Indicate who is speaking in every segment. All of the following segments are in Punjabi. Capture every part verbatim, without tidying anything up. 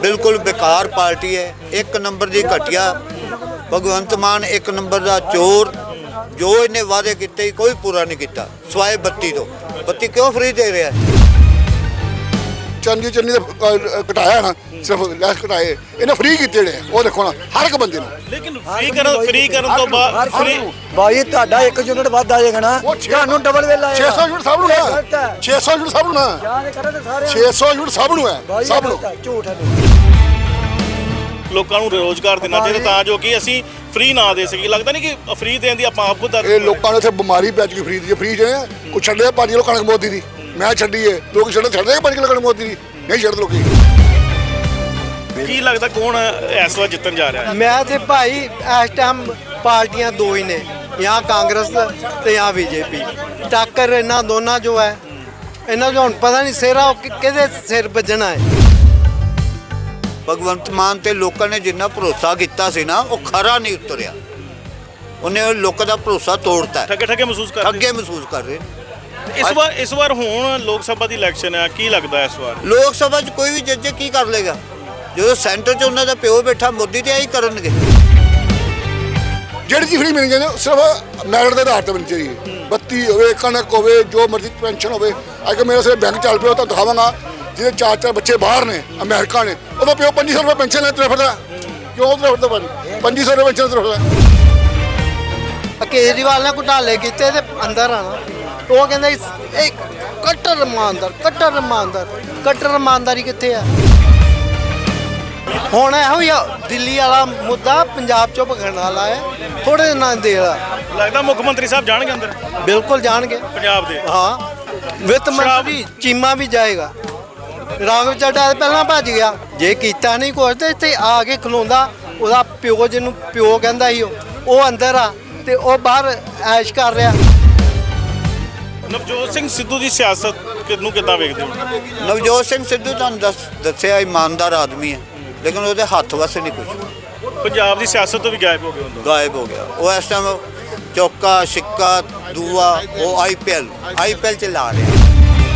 Speaker 1: बिल्कुल बेकार पार्टी है। एक नंबर की घटिया। भगवंत मान एक नंबर का चोर। जो इन्हें वादे किए कोई पूरा नहीं किया सवाए बत्ती तो। बत्ती क्यों फ्री दे रहा है?
Speaker 2: चंदी चन्नी घटाया ना सिर्फ लैस घटाए इन्हें फ्री किए ने वो देखो ना हर एक बंदे
Speaker 3: लेकिन फ्री कर फ्री करन तो बाद फ्री
Speaker 4: भाई ਤੁਹਾਡਾ ਇੱਕ ਯੂਨਿਟ ਵੱਧ ਆ ਜਾਏਗਾ ਨਾ ਤੁਹਾਨੂੰ ਡਬਲ ਬਿੱਲ ਆਏਗਾ
Speaker 2: छे सौ यूनिट सब ਨੂੰ है छे सौ यूनिट सब ਨੂੰ है
Speaker 4: ਯਾਦ ਕਰੇ ਤੇ ਸਾਰੇ
Speaker 2: छे सौ यूनिट सब ਨੂੰ है सब ਨੂੰ
Speaker 4: ਝੂਠ ਹੈ
Speaker 3: ਲੋਕਾਂ ਨੂੰ ਰੋਜ਼ਗਾਰ ਦੇਣਾ ਚਾਹੀਦਾ ਤਾਂ ਜੋ ਕਿ ਅਸੀਂ ਫ੍ਰੀ ਨਾ ਦੇ ਸਕੀਏ। ਲੱਗਦਾ ਨਹੀਂ ਕਿ ਫ੍ਰੀ ਦੇਣ ਦੀ ਆਪਾਂ ਆਪ ਖੁਦ
Speaker 2: ਇਹ ਲੋਕਾਂ ਨੂੰ ਇੱਥੇ ਬਿਮਾਰੀ ਪੈ ਚੁੱਕੀ ਫ੍ਰੀ ਦੀ ਫ੍ਰੀ ਜਿਹੜੇ ਕੋਈ ਛੱਡੇ ਪੰਜ ਕਿਲੋ ਕਣਕ ਮੋਦੀ ਦੀ ਮੈਂ ਛੱਡੀਏ ਲੋਕ ਛੱਡੇ ਛੱਡਦੇ ਪੰਜ ਕਿਲੋ ਕਣਕ ਮੋਦੀ ਦੀ ਨਹੀਂ ਛੱਡਦੇ ਲੋਕੀ।
Speaker 3: ਕੀ ਲੱਗਦਾ ਕੌਣ ਇਸ ਵਾਰ ਜਿੱਤਣ ਜਾ ਰਿਹਾ ਹੈ?
Speaker 5: ਮੈਂ ਤੇ ਭਾਈ ਇਸ ਟਾਈਮ ਪਾਰਟੀਆਂ ਦੋ ਹੀ ਨੇ ਜਾਂ ਕਾਂਗਰਸ ਤੇ ਜਾਂ ਬੀਜੇਪੀ। ਟੱਕਰ ਇਹਨਾਂ ਦੋਨਾਂ ਜੋ ਹੈ ਇਹਨਾਂ ਨੂੰ ਹੁਣ ਪਤਾ ਨਹੀਂ ਸਿਰਾ ਕਿਹਦੇ ਸਿਰ ਵੱਜਣਾ ਹੈ।
Speaker 1: भगवंत मान ते लोगों ने जिन्ना भरोसा किया सी ना वो खरा नहीं उतरिया। उन्हें लोगों का भरोसा तोड़ता है।
Speaker 3: ਠੱਗੇ ਠੱਗੇ ਮਹਿਸੂਸ ਕਰ
Speaker 1: ठगे महसूस कर रहे।
Speaker 3: ਇਸ ਵਾਰ ਇਸ ਵਾਰ ਹੁਣ ਲੋਕ ਸਭਾ ਦੀ ਇਲੈਕਸ਼ਨ ਹੈ ਕੀ ਲੱਗਦਾ ਇਸ ਵਾਰ?
Speaker 1: लोक सभा च कोई भी जज की कर लेगा जो सेंटर च उन्होंने प्यो बैठा मोदी तो यही करनगे।
Speaker 2: ਜਿਹੜੀ ਚੀਜ਼ ਫ੍ਰੀ ਮਿਲਣੀ ਚਾਹੀਦੀ ਸਿਰਫ ਮੈਰਿਟ ਦੇ ਆਧਾਰ ਤੇ ਮਿਲਣੀ ਚਾਹੀਦੀ ਬੱਤੀ ਹੋਵੇ ਕਣਕ ਹੋਵੇ ਜੋ ਮਰਜ਼ੀ ਪੈਨਸ਼ਨ ਹੋਵੇ। ਅੱਜ ਮੇਰੇ ਸਿਰ ਬੈਂਕ ਚੱਲ ਪਿਆ ਤਾਂ ਦਿਖਾਵਾਂਗਾ ਜਿਹਦੇ ਚਾਰ ਚਾਰ ਬੱਚੇ ਬਾਹਰ ਨੇ ਅਮਰੀਕਾ ਨੇ ਉਹਦਾ ਪਿਓ ਪੰਜੀ ਸੌ ਰੁਪਏ ਪੈਨਸ਼ਨ ਲੈ ਤੁਰੇ ਫਿਰਦਾ ਕਿਉਂ ਤੁਰੇ ਫਿਰਦਾ ਭਾਜੀ ਪੰਜੀ ਸੌ ਰੁਪਏ ਪੈਨਸ਼ਨ ਤੁਰੇ ਫਿਰਦਾ।
Speaker 5: ਕੇਜਰੀਵਾਲ ਨੇ ਘੁਟਾਲੇ ਕੀਤੇ ਤੇ ਅੰਦਰ ਆਣਾ ਉਹ ਕਹਿੰਦਾ ਇਹ ਕੱਟਰ ਇਮਾਨਦਾਰ ਕੱਟਰ ਇਮਾਨਦਾਰ ਕੱਟਰ ਇਮਾਨਦਾਰੀ ਕਿੱਥੇ ਆ? ਹੁਣ ਇਹੋ ਹੀ ਆ, ਦਿੱਲੀ ਵਾਲਾ ਮੁੱਦਾ ਪੰਜਾਬ ਚੋਂ ਭਗਣ ਵਾਲਾ ਹੈ ਥੋੜੇ ਦਿਨਾਂ ਦੇ ਵਾਲਾ।
Speaker 3: ਲੱਗਦਾ ਮੁੱਖ ਮੰਤਰੀ ਸਾਹਿਬ ਜਾਣਗੇ ਅੰਦਰ
Speaker 5: ਬਿਲਕੁਲ ਜਾਣਗੇ
Speaker 3: ਪੰਜਾਬ ਦੇ।
Speaker 5: ਹਾਂ ਵਿੱਤ ਮੰਤਰੀ ਚੀਮਾ ਵੀ ਜਾਏਗਾ। ਰਾਘਵ ਚੱਡਾ ਪਹਿਲਾਂ ਭੱਜ ਗਿਆ ਜੇ ਕੀਤਾ ਨਹੀਂ ਕੁਛ ਤੇ ਇੱਥੇ ਆ ਕੇ ਖਲੋਂਦਾ ਉਹਦਾ ਪਿਓ ਜਿਹਨੂੰ ਪਿਓ ਕਹਿੰਦਾ ਸੀ ਉਹ ਉਹ ਅੰਦਰ ਆ ਤੇ ਉਹ ਬਾਹਰ ਐਸ਼ ਕਰ ਰਿਹਾ।
Speaker 3: ਨਵਜੋਤ ਸਿੰਘ ਸਿੱਧੂ ਦੀ ਸਿਆਸਤ ਕਿਨੂੰ ਕਿੱਦਾਂ ਵੇਖਦੇ ਹੋ?
Speaker 1: नवजोत सिंह सिद्धू तुहानूं दस दस्सिया ईमानदार आदमी है लेकिन वो हथ वस नहीं कुछ
Speaker 3: ਪੰਜਾਬ ਦੀ ਸਿਆਸਤ ਤੋਂ ਵੀ ਗਾਇਬ ਹੋ ਗਏ ਹੁੰਦੇ।
Speaker 1: गायब हो गया। वो इस टाइम चौका सिक्का दूआ वो I P L I P L चला रहे हैं।